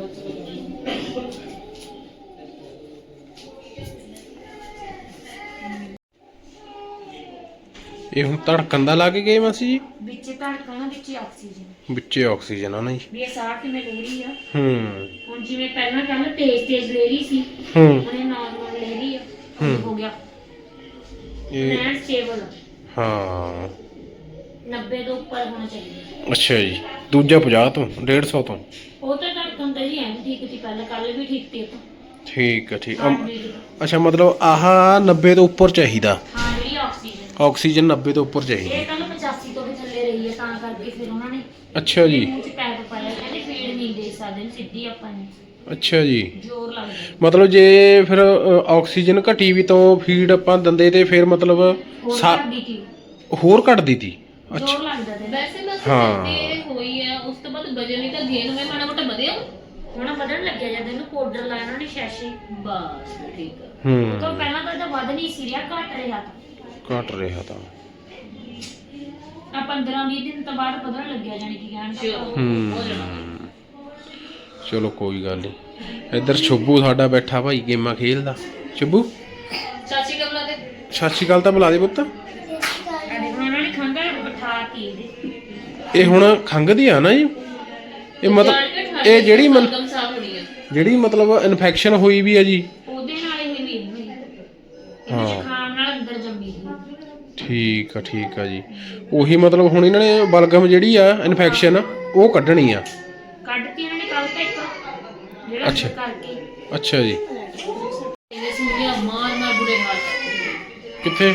ਇਹ ਹੁਣ ਧੜਕਣ ਦਾ ਲਾ ਕੇ ਗਏ ਮਾਸੀ ਜੀ? ਵਿੱਚ ਧੜਕਣ ਵਿੱਚ ਆਕਸੀਜਨ, ਵਿੱਚੇ ਆਕਸੀਜਨ ਆ ਨਾ ਜੀ। ਵੀ ਇਹ ਸਾਹ ਕਿਵੇਂ ਲੈ ਰਹੀ ਆ। ਹੂੰ ਹੁਣ ਜਿਵੇਂ ਪਹਿਲਾਂ ਕੱਲ ਤੇਜ਼ ਲੈ ਰਹੀ ਸੀ, ਹੂੰ ਹੁਣ ਇਹ ਨਾਰਮਲ ਲੈ ਰਹੀ ਆ। ਹੋ ਗਿਆ ਇਹ ਐਂਡ ਸਟੇਬਲ। ਹਾਂ 90 ਤੋਂ ਉੱਪਰ ਹੋਣਾ ਚਾਹੀਦਾ। ਅੱਛਾ ਜੀ। ਦੂਜਾ 50 ਤੋਂ 150 ਤੋਂ? ਉਹ ਤਾਂ ਧੜਕਣ ਤਾਂ ਜੀ ਐਨ ਠੀਕ ਸੀ ਪਹਿਲਾਂ, ਕੱਲ ਵੀ ਠੀਕ ਸੀ। ਉਹ ਤਾਂ ਠੀਕ ਹੈ ਠੀਕ heart beat ਤਾਂ। ਅੱਛਾ ਮਤਲਬ ਆਹ 90 ਤੋਂ ਉੱਪਰ ਚਾਹੀਦਾ? ਹਾਂ ਜਿਹੜੀ ਆਕਸੀਜਨ ਆਕਸੀਜਨ 90 ਤੋਂ ਉੱਪਰ ਚਾਹੀਦੀ। ਇਹ ਕੱਲ 85 ਤੋਂ ਵੀ ਥੱਲੇ ਰਹੀ ਹੈ, ਤਾਂ ਕਰਕੇ ਫਿਰ ਉਹਨਾਂ ਨੇ ਅੱਛਾ ਜੀ। ਮੂੰਹ 'ਚ ਪੈਪ ਪਾਇਆ। ਕਹਿੰਦੇ ਫੀਡ ਨਹੀਂ ਦੇ ਸਕਦੇ ਸਿੱਧੀ ਆਪਾਂ ਨੂੰ, ਅੱਛਾ ਜੀ। ਜ਼ੋਰ ਲੱਗਦਾ। ਮਤਲਬ ਜੇ ਫਿਰ ਆਕਸੀਜਨ ਘਟੀ ਵੀ ਤਾਂ ਫੀਡ ਆਪਾਂ ਦਿੰਦੇ ਤੇ ਫਿਰ ਮਤਲਬ ਹੋਰ ਕਰਦੀ ਸੀ, ਹੋਰ ਘਟਦੀ ਤੀ? ਜ਼ੋਰ ਲੱਗਦਾ ਤੇ। ਵੈਸੇ ਬਸ ਹਾਂ। ਇਹ ਹੋਈ ਆ, ਉਸ ਤੋਂ ਬਾਅਦ ਵਜਨ ਵੀ ਤਾਂ ਗੇਨ ਹੋਇਆ, ਮਾੜਾ ਮੋਟਾ ਵਧਿਆ ਹੁਣ ਵਧਣ ਲੱਗਿਆ ਜਦ ਇਹਨੂੰ ਪਾਊਡਰ ਲਾਇਆ ਉਹਨਾਂ ਨੇ ਸ਼ੈਸ਼ੇ। ਬਸ ਠੀਕ ਆ। ਕਿਉਂ ਪਹਿਲਾਂ ਤਾਂ ਇਹਦਾ ਵਧ ਨਹੀਂ ਸੀ ਰਿਹਾ, ਘਟ ਰਿਹਾ ਤਾਂ। ਘਟ ਰਿਹਾ ਤਾਂ। ਆ 15-20 ਦਿਨ ਤੋਂ ਬਾਅਦ ਵਧਣ ਲੱਗਿਆ, ਜਾਨੀ ਕਿ ਕਹਿਣ ਚਲੋ ਕੋਈ ਗੱਲ ਨਹੀਂ। ਇੱਧਰ ਸ਼ੁਭੂ ਸਾਡਾ ਬੈਠਾ ਭਾਈ ਗੇਮਾਂ ਖੇਲਦਾ। ਸ਼ੁਭੂ ਚਾਚੀ ਕਬਲਾ ਦੇ ਸਤਿ ਸ਼੍ਰੀ ਅਕਾਲ ਤਾਂ ਬੁਲਾ ਦੇ ਪੁੱਤ। ਉਹਨਾਂ ਨੇ ਖੰਗਾ ਬਿਠਾ ਕੇ ਇਹਦੇ। ਇਹ ਹੁਣ ਖੰਘਦੀ ਆ ਨਾ ਜੀ? ਇਹ ਮਤਲਬ ਇਹ ਜਿਹੜੀ ਮਤਲਬ ਇਨਫੈਕਸ਼ਨ ਹੋਈ ਵੀ ਹੈ ਜੀ ਉਹਦੇ ਨਾਲ ਹੀ ਹੋਈ ਵੀ ਹੈ। ਹਾਂ ਖਾਣ ਨਾਲ ਅੰਦਰ ਜੰਮੀ ਸੀ। ਠੀਕ ਆ ਜੀ। ਉਹੀ ਮਤਲਬ ਹੁਣ ਇਹਨਾਂ ਨੇ ਬਲਗਮ ਜਿਹੜੀ ਆ ਇਨਫੈਕਸ਼ਨ ਉਹ ਕੱਢਣੀ ਆ। ਕੱਢਤੀ ਇਹਨਾਂ ਨੇ ਕੱਲ ਤੱਕ ਜਿਹੜਾ ਅੱਛਾ। ਕਰਕੇ। ਅੱਛਾ ਜੀ। ਇਹ ਸੁਣਿਆ ਮਾਰ ਬੁਰੇ ਹਾਲ। ਕਿੱਥੇ?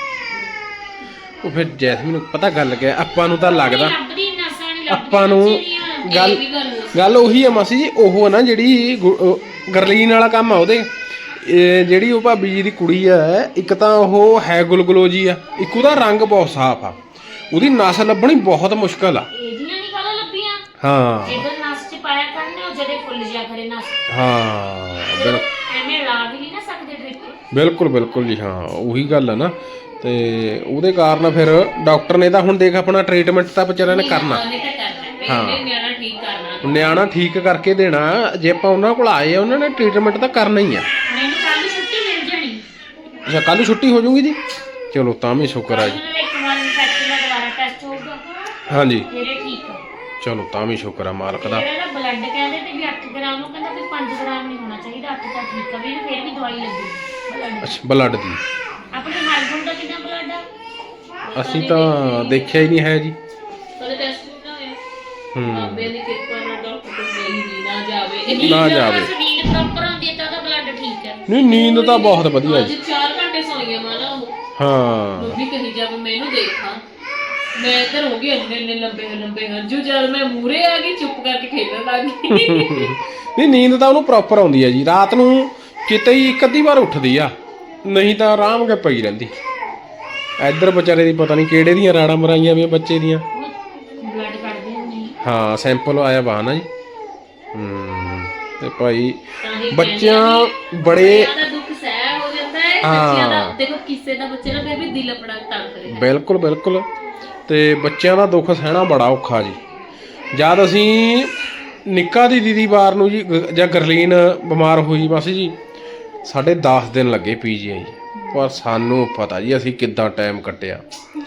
ਉਹ ਫਿਰ ਜੈਸਮੀਨ ਨੂੰ ਪਤਾ ਗੱਲ ਕਿਆ ਆਪਾਂ ਨੂੰ ਤਾਂ ਲੱਗਦਾ ਆਪਾਂ ਨੂੰ ਗੱਲ ਉਹੀ ਆ ਮਾਸੀ ਜੀ। ਉਹ ਨਾ ਜਿਹੜੀ ਗਰਲੀਨ ਵਾਲਾ ਕੰਮ ਆ ਉਹਦੇ, ਜਿਹੜੀ ਉਹ ਭਾਬੀ ਜੀ ਦੀ ਕੁੜੀ ਆ, ਇੱਕ ਤਾਂ ਉਹ ਹੈ ਗੁਲਗੁਲੋ ਜੀ ਆ, ਇੱਕ ਉਹਦਾ ਰੰਗ ਬਹੁਤ ਸਾਫ਼ ਆ, ਉਹਦੀ ਨਸ ਲੱਭਣੀ ਬਹੁਤ ਮੁਸ਼ਕਲ ਆ। ਇਹਦੀਆਂ ਨਹੀਂ ਕਾਲਾ ਲੱਭੀਆਂ। ਹਾਂ ਇਧਰ ਨਸ ਚ ਪਾਇਆ ਕਰਨੇ ਉਹ ਜਦੇ ਫੁੱਲ ਜਿਆ ਕਰੇ ਨਸ। ਹਾਂ ਐਵੇਂ ਲਾ ਵੀ ਨਹੀਂ ਨਾ ਸਕਦੇ ਡ੍ਰਿਪ। ਬਿਲਕੁਲ ਜੀ। ਹਾਂ ਉਹੀ ਗੱਲ ਆ ਨਾ। ਤੇ ਉਹਦੇ ਕਾਰਨ ਫਿਰ ਡਾਕਟਰ ਨੇ ਤਾਂ ਹੁਣ ਦੇਖ ਆਪਣਾ ਟ੍ਰੀਟਮੈਂਟ ਤਾਂ ਵਿਚਾਰਿਆਂ ਨੇ ਕਰਨਾ। ਹਾਂ ਨਿਆਣਾ ਠੀਕ ਕਰਕੇ ਦੇਣਾ। ਜੇ ਆਪਾਂ ਉਹਨਾਂ ਕੋਲ ਆਏ ਆ ਉਹਨਾਂ ਨੇ ਟ੍ਰੀਟਮੈਂਟ ਤਾਂ ਕਰਨਾ ਹੀ ਆ। ਮੈਨੂੰ ਕੱਲ ਛੁੱਟੀ ਮਿਲ ਜਾਣੀ। ਅੱਛਾ ਕੱਲ ਛੁੱਟੀ ਹੋ ਜਾਊਗੀ ਜੀ? ਚਲੋ ਤਾਂ ਵੀ ਸ਼ੁਕਰ ਆ ਜੀ। ਇੱਕ ਵਾਰ ਇਨਫੈਕਸ਼ਨ ਦਾ ਦੁਬਾਰਾ ਟੈਸਟ ਹੋਊਗਾ। ਹਾਂਜੀ ਫਿਰ ਇਹ ਠੀਕ ਆ। ਚਲੋ ਤਾਂ ਵੀ ਸ਼ੁਕਰ ਆ ਮਾਲਕ ਦਾ। ਇਹਦਾ ਬਲੱਡ ਕਹਿੰਦੇ ਤੇ ਵੀ 8 ਗ੍ਰਾਮ ਨੂੰ ਕਹਿੰਦਾ ਵੀ 5 ਗ੍ਰਾਮ ਨਹੀਂ ਹੋਣਾ ਚਾਹੀਦਾ, 8 ਤਾਂ ਠੀਕ ਆ ਵੀ ਇਹਨੂੰ ਫਿਰ ਵੀ ਦਵਾਈ ਲੱਗੀ। ਅੱਛਾ ਬਲੱਡ ਦੀ? ਆਪਣੇ ਹਸਬੰਡ ਦਾ ਕਿੰਨਾ ਬਲੱਡ ਆ? ਅਸੀਂ ਤਾਂ ਦੇਖਿਆ ਹੀ ਨਹੀਂ ਹੈ ਜੀ। ਕਦੇ ਟੈਸਟ ਨਾ ਹੋਇਆ। ਬਾਬੇ ਦੀ ਕਿਰਪਾ ਨਾਲ ਡਾਕਟਰ ਕੋਲ ਗਈ ਨਹੀਂ ਨਾ ਜਾਵੇ। ਨਾ ਜਾਵੇ। ਨੀਂਦ ਪ੍ਰੋਪਰ ਆਉਂਦੀ ਤਾਂ ਉਹਦਾ ਬਲੱਡ ਠੀਕ ਹੈ। ਨਹੀਂ ਨੀਂਦ ਤਾਂ ਬਹੁਤ ਵਧੀਆ ਜੀ। 4 ਘੰਟੇ ਸੌਈਆਂ ਮਾਨਾ ਉਹ। ਹਾਂ ਮੰਮੀ ਕਹੀ ਜਾਵੇ ਮੈਂ ਇਹਨੂੰ ਦੇਖਾਂ। ਮੈਂ ਇੱਧਰ ਹੋ ਗਈ ਇੰਨੇ ਲੰਬੇ ਹੰਝੂ, ਜਦ ਮੈਂ ਮੂਰੇ ਆ ਗਈ ਚੁੱਪ ਕਰਕੇ ਖੇਡਣ ਲੱਗ ਗਈ। ਨਹੀਂ ਨੀਂਦ ਤਾਂ ਉਹਨੂੰ ਪ੍ਰੋਪਰ ਆਉਂਦੀ ਹੈ ਜੀ। ਰਾਤ ਨੂੰ ਕਿਤੇ ਹੀ ਇੱਕ ਅੱਧੀ ਵਾਰ ਉੱਠਦੀ ਆ, ਨਹੀਂ ਤਾਂ ਆਰਾਮ ਕੇ ਪਈ ਰਹਿੰਦੀ। ਇੱਧਰ ਵਿਚਾਰੇ ਦੀ ਪਤਾ ਨਹੀਂ ਕਿਹੜੇ ਦੀਆਂ ਰਾੜਾਂ ਮਰਾਈਆਂ ਵੀ ਬੱਚੇ ਦੀਆਂ। ਬਲੱਡ ਕੱਢਦੇ ਨਹੀਂ। ਹਾਂ ਸੈਂਪਲ ਆਇਆ ਵਾ ਨਾ ਜੀ। ਤੇ ਭਾਈ ਤਾਂ ਹੀ ਬੱਚਿਆਂ ਕਹਿੰਦੇ ਆ ਬੜੇ ਬੱਚਿਆਂ ਦਾ ਦੁੱਖ ਸਹਿ ਹੋ ਜਾਂਦਾ ਹੈ ਹਾਂ। ਬੱਚਿਆਂ ਦਾ ਦੇਖੋ ਕਿਸੇ ਦਾ ਬੱਚੇ ਦਾ ਫਿਰ ਵੀ ਦਿਲ ਆਪਣਾ ਤੜਫ ਰਿਹਾ ਬਿਲਕੁਲ ਬਿਲਕੁਲ। ਤੇ ਬੱਚਿਆਂ ਦਾ ਦੁੱਖ ਸਹਿਣਾ ਬੜਾ ਔਖਾ ਜੀ। ਜਦ ਅਸੀਂ ਨਿੱਕਾ ਦੀ ਦੀਦੀ ਵਾਰ ਨੂੰ ਜੀ ਜਾਂ ਗਰਲੀਨ ਬਿਮਾਰ ਹੋਈ ਬਸ ਜੀ ਸਾਡੇ 10 ਦਿਨ ਲੱਗੇ PGI। ਪਰ ਸਾਨੂੰ ਪਤਾ ਜੀ ਅਸੀਂ ਕਿੱਦਾਂ ਟਾਈਮ ਕੱਟਿਆ।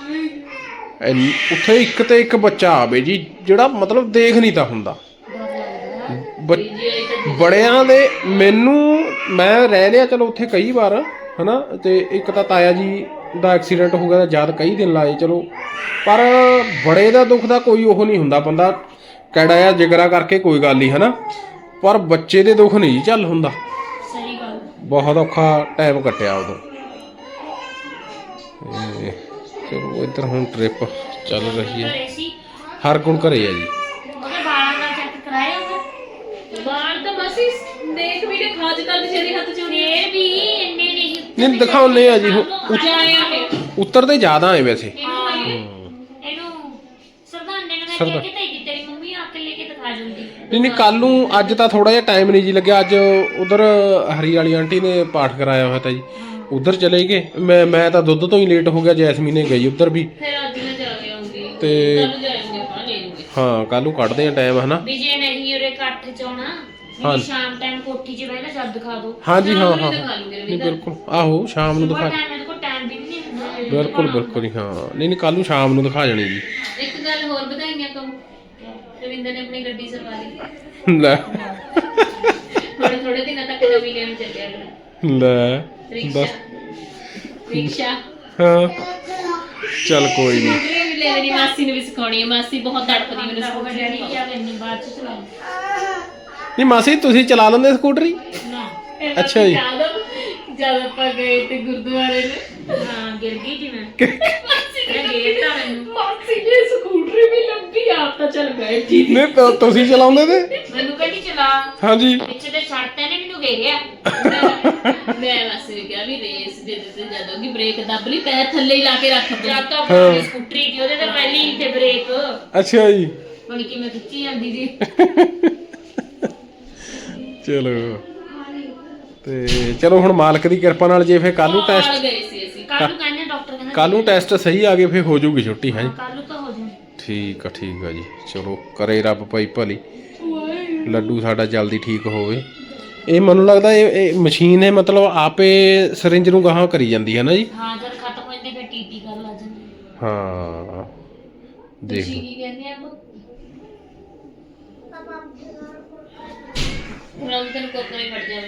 ਉੱਥੇ ਇੱਕ ਤੇ ਇੱਕ ਬੱਚਾ ਆਵੇ ਜੀ ਜਿਹੜਾ ਮਤਲਬ ਦੇਖ ਨਹੀਂ ਤਾਂ ਹੁੰਦਾ। ਬੜਿਆਂ ਦੇ ਮੈਂ ਰਹਿ ਲਿਆ ਚਲੋ ਉੱਥੇ ਕਈ ਵਾਰ ਹਨਾ। ਤੇ ਇੱਕ ਤਾਂ ਤਾਇਆ ਜੀ ਦਾ ਐਕਸੀਡੈਂਟ ਹੋ ਗਿਆ ਤਾਂ ਜਦ ਕਈ ਦਿਨ ਲਾਏ ਚਲੋ। ਪਰ ਬੜੇ ਦਾ ਦੁੱਖ ਦਾ ਕੋਈ ਉਹ ਨਹੀਂ ਹੁੰਦਾ। ਬੰਦਾ ਕੈੜਾ ਆ ਜਿਗਰਾ ਕਰਕੇ ਕੋਈ ਗੱਲ ਨਹੀਂ ਹਨਾ। ਪਰ ਬੱਚੇ ਦੇ ਦੁੱਖ ਨਹੀਂ ਜੀ ਚੱਲ ਹੁੰਦਾ। ਸਹੀ ਗੱਲ ਬਹੁਤ ਔਖਾ ਟਾਈਮ ਕੱਟਿਆ ਉਦੋਂ। ਚਲੋ ਇੱਧਰ ਹੁਣ ਟ੍ਰਿਪ ਚੱਲ ਰਹੀ ਹੈ। ਘਰੇ ਸੀ ਹਰ ਗੁਣ ਘਰੇ ਆ ਜੀ। ਉਹਦੇ ਵਾਲਾਂ ਦਾ ਚੈੱਕ ਕਰਾਇਆ ਉਹਨੇ ਵਾਲ ਤਾਂ ਬਸ ਦੇਖ ਵੀ ਨੇ ਖਾਜ ਕਰ ਜਿਹੜੇ ਹੱਥ ਚੋਂ ਇਹ ਵੀ ਇੰਨੇ ਨਹੀਂ ਦਿਖਾਉਨੇ ਆ ਜੀ ਜਾਇਆ ਹੈ ਉੱਤਰਦੇ ਜ਼ਿਆਦਾ ਹੈ ਵੈਸੇ। ਇਹਨੂੰ ਸਰਦਾਨੇ ਨੂੰ ਮੈਂ ਕਹਿ ਕੇ ਤੇ ਤੇਰੀ ਮੰਮੀ ਆ ਕੇ ਲੈ ਕੇ ਦਿਖਾ ਜਾਂਦੀ ਨਹੀਂ ਕੱਲ ਨੂੰ ਅੱਜ ਤਾਂ ਥੋੜਾ ਜਿਹਾ ਟਾਈਮ ਨਹੀਂ ਜੀ ਲੱਗਿਆ। ਅੱਜ ਉਧਰ ਹਰੀ ਵਾਲੀ ਆਂਟੀ ਨੇ ਪਾਠ ਕਰਾਇਆ ਹੋਇਆ ਤਾਂ ਜੀ ਉਧਰ ਚਲੇ ਗਏ। ਮੈਂ ਤਾਂ ਦੁੱਧ ਤੋਂ ਹੀ ਲੇਟ ਹੋ ਗਿਆ। ਜੈਸਮੀਨ ਨੇ ਗਈ ਉਧਰ ਵੀ ਫਿਰ ਅੱਜ ਮੈਂ ਜਾ ਕੇ ਆਉਂਗੀ ਤੇ ਕੱਲ ਜਾਏਂਗੇ ਆਪਾਂ ਲੈ ਲੂਗੇ ਹਾਂ ਕੱਲ ਨੂੰ ਕੱਢਦੇ ਆ ਟਾਈਮ ਹਨਾ। ਵੀ ਜੇ ਨਹੀਂ ਉਰੇ ਇਕੱਠ ਚ ਆਉਣਾ ਹਾਂ। ਵੀ ਸ਼ਾਮ ਟਾਈਮ ਕੋਠੀ 'ਚ ਬਹਿ ਕੇ ਜਦ ਦਿਖਾ ਦੋ ਹਾਂਜੀ ਹਾਂ ਦਿਖਾ ਹਾਂ ਲੂਗੇ ਨਹੀਂ ਬਿਲਕੁਲ ਆਹੋ ਸ਼ਾਮ ਨੂੰ ਦਿਖਾ ਮੇਰੇ ਕੋਲ ਟਾਈਮ ਵੀ ਨਹੀਂ ਹੁੰਦਾ ਬਿਲਕੁਲ ਬਿਲਕੁਲ ਜੀ ਹਾਂ। ਨਹੀਂ ਕੱਲ ਨੂੰ ਸ਼ਾਮ ਨੂੰ ਦਿਖਾ ਜਾਣੀ ਜੀ। ਇੱਕ ਗੱਲ ਹੋਰ ਵਧਾਈਆਂ ਕਹੂੰ ਰਵਿੰਦਰ ਨੇ ਆਪਣੀ ਗੱਡੀ ਸਰਵਾ ਲਈ ਲੈ ਥੋੜੇ ਦਿਨਾਂ ਤੱਕ ਨਵੀਂ ਲੈਣ ਚੱਲਿਆ ਲੈ ਰਿਕਸ਼ਾ ਰਿਕਸ਼ਾ ਹਾਂ ਚੱਲ ਕੋਈ ਨਹੀਂ। ਸਕੂਟਰੀ ਵੀ ਲੈ ਲੈਣੀ ਮਾਸੀ ਨੂੰ ਵੀ ਸਿਖਾਉਣੀ ਹੈ। ਮਾਸੀ ਬਹੁਤ ਤੜਪਦੀ ਮੈਨੂੰ ਸਕੂਟਰੀ ਕੀ ਕਰਨੀ ਬਾਅਦ ਚ ਚਲਾਉਣੀ ਨਹੀਂ ਮਾਸੀ ਤੁਸੀਂ ਚਲਾ ਲੈਂਦੇ ਸਕੂਟਰੀ? ਨਾ ਅੱਛਾ ਜੀ। ਜਦ ਆਪਾਂ ਗਏ ਤੇ ਗੁਰਦੁਆਰੇ ਨੇ ਹਾਂ ਗਿਰ ਗਈ ਜੀ ਮੈਂ ਗੇਰਤਾ ਮੈਨੂੰ ਮਾਸੀ ਨੇ ਸਕੂਟਰੀ ਵੀ ਲੰਬੀ ਆਪ ਤਾਂ ਚੱਲ ਗਏ ਠੀਕ ਨਹੀਂ ਤੁਸੀਂ ਚਲਾਉਂਦੇ ਤੇ ਮੈਨੂੰ ਕਹਿੰਦੀ ਚਲਾ ਹਾਂਜੀ ਪਿੱਛੇ ਤੇ ਛੱਡਤੇ ਨੇ ਮੈਨੂੰ ਘੇਰਿਆ ਮੈਂ ਬਸ ਕਿਹਾ ਵੀ ਰੇਸ ਦੇ ਦਿੱਤੇ ਜਦੋਂ ਕਿ ਬ੍ਰੇਕ ਦੱਬ ਲਈ ਪੈਰ ਥੱਲੇ ਹੀ ਲਾ ਕੇ ਰੱਖ ਜਾਂ ਤਾਂ ਆਪਣੀ ਸਕੂਟਰੀ ਦੀ ਉਹਦੇ ਤੇ ਪਹਿਲੀ ਤੇ ਬ੍ਰੇਕ ਅੱਛਾ ਜੀ ਹੁਣ ਕਿਵੇਂ ਖਿੱਚੀ ਜਾਂਦੀ ਜੀ ਚਲੋ ਤੇ ਚਲੋ ਹੁਣ ਮਾਲਕ ਦੀ ਕਿਰਪਾ ਨਾਲ ਜੇ ਫੇਰ ਕੱਲ ਨੂੰ ਟੈਸਟ ਗਏ ਸੀ ਅਸੀਂ ਕੱਲ ਨੂੰ ਕਹਿੰਦੇ ਡਾਕਟਰ ਕਹਿੰਦਾ ਕੱਲ ਨੂੰ ਟੈਸਟ ਸਹੀ ਆ ਗਏ ਫੇਰ ਹੋ ਜਾਊਗੀ ਛੁੱਟੀ ਹੈ ਜੀ। ਕੱਲ ਨੂੰ ਤਾਂ ਹੋ ਜਾਊ ਠੀਕ ਆ ਜੀ। ਚਲੋ ਕਰੇ ਰੱਬ ਭਾਈ ਭਲੀ ਲੱਡੂ ਸਾਡਾ ਜਲਦੀ ਠੀਕ ਹੋਵੇ। ਇਹ ਮੈਨੂੰ ਲੱਗਦਾ ਇਹ ਮਸ਼ੀਨ ਹੈ ਮਤਲਬ ਆਪੇ ਸਰਿੰਜ ਨੂੰ ਗਾਹਾਂ ਕਰੀ ਜਾਂਦੀ ਹੈ ਨਾ ਜੀ। ਹਾਂ ਜਦ ਖਤਮ ਹੋ ਜਾਂਦੀ ਫਿਰ ਟੀਟੀ ਕਰ ਲੱਗ ਜਾਂਦੀ ਹਾਂ ਦੇਖ ਤੁਸੀਂ ਕੀ ਕਹਿੰਦੇ ਆ ਹੁਣ ਤੈਨੂੰ ਕੋਕਰੇ ਫੜ ਜਾਵੇ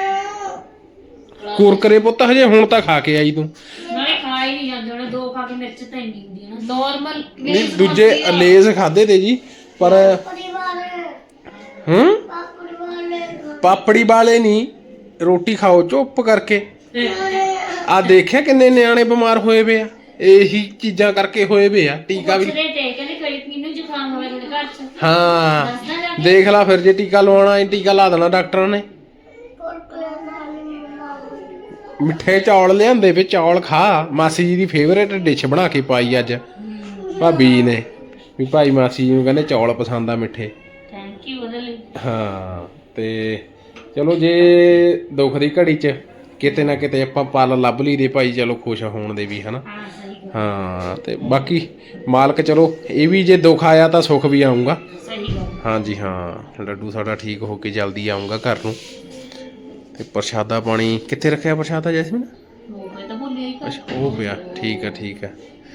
ਕੁਰਕਰੇ ਪੁੱਤ ਹਜੇ ਹੁਣ ਤਾਂ ਖਾ ਕੇ ਆਈ ਤੂੰ। ਨਾਲੇ ਖਾ ਹੀ ਨਹੀਂ ਜਾਂਦੇ ਉਹਨੇ ਦੋ ਖਾ ਕੇ ਮਿਰਚ ਤਾਂ ਇੰਨੀ ਹੁੰਦੀ ਹੈ ਨਾ ਨਾਰਮਲ ਨਹੀਂ ਦੂਜੇ ਲੇਜ਼ ਖਾਦੇ ਤੇ ਜੀ ਪਰ ਪਾਪੜੀ ਵਾਲੇ ਨਹੀਂ ਰੋਟੀ ਖਾਓ ਚੁੱਪ ਕਰਕੇ। ਆ ਦੇਖਿਆ ਕਿੰਨੇ ਨਿਆਣੇ ਬਿਮਾਰ ਹੋਏ ਵੇ ਆ ਇਹੀ ਚੀਜ਼ਾਂ ਕਰਕੇ ਹੋਏ ਵੇ ਆ। ਟੀਕਾ ਵੀ ਕਹਿੰਦੇ ਕੋਈ ਮੈਨੂੰ ਜ਼ੁਕਾਮ ਹੋਵੇ ਤੁਹਾਡੇ ਘਰ ਚ ਹਾਂ ਦੇਖ ਲਾ ਫਿਰ ਜੇ ਟੀਕਾ ਲਵਾਉਣਾ ਹੈ ਟੀਕਾ ਲਾ ਦੇਣਾ ਡਾਕਟਰਾਂ ਨੇ। ਮਿੱਠੇ ਚੌਲ ਲਿਆਂਦੇ ਵੇ ਚੌਲ ਖਾ। ਮਾਸੀ ਜੀ ਦੀ ਫੇਵਰੇਟ ਡਿਸ਼ ਬਣਾ ਕੇ ਪਾਈ ਅੱਜ ਭਾਬੀ ਜੀ ਨੇ ਵੀ ਭਾਈ ਮਾਸੀ ਜੀ ਨੂੰ ਕਹਿੰਦੇ ਚੌਲ ਪਸੰਦ ਆ ਮਿੱਠੇ। ਥੈਂਕ ਯੂ ਉਹਦੇ ਲਈ ਹਾਂ ਤੇ ਚਲੋ ਜੇ ਦੁੱਖ ਦੀ ਘੜੀ 'ਚ ਕਿਤੇ ਨਾ ਕਿਤੇ ਆਪਾਂ ਪਲ ਲੱਭ ਲਈ ਦੇ ਭਾਈ ਚਲੋ ਖੁਸ਼ ਹੋਣ ਦੇ ਵੀ ਹਨਾ। ਹਾਂ ਸਹੀ ਹਾਂ ਤੇ ਬਾਕੀ ਮਾਲਕ ਚਲੋ ਇਹ ਵੀ ਜੇ ਦੁੱਖ ਆਇਆ ਤਾਂ ਸੁੱਖ ਵੀ ਆਊਗਾ। ਸਹੀ ਗੱਲ ਹਾਂਜੀ ਹਾਂ ਲੱਡੂ ਸਾਡਾ ਠੀਕ ਹੋ ਕੇ ਜਲਦੀ ਆਊਗਾ ਘਰ ਨੂੰ। ਤੇ ਪ੍ਰਸ਼ਾਦਾ ਪਾਣੀ ਕਿੱਥੇ ਰੱਖਿਆ ਪ੍ਰਸ਼ਾਦਾ ਜੈਸਮੀਨ? ਮੈਂ ਤਾਂ ਭੁੱਲਿਆ ਹੀ ਅੱਛਾ ਉਹ ਪਿਆ ਠੀਕ ਆ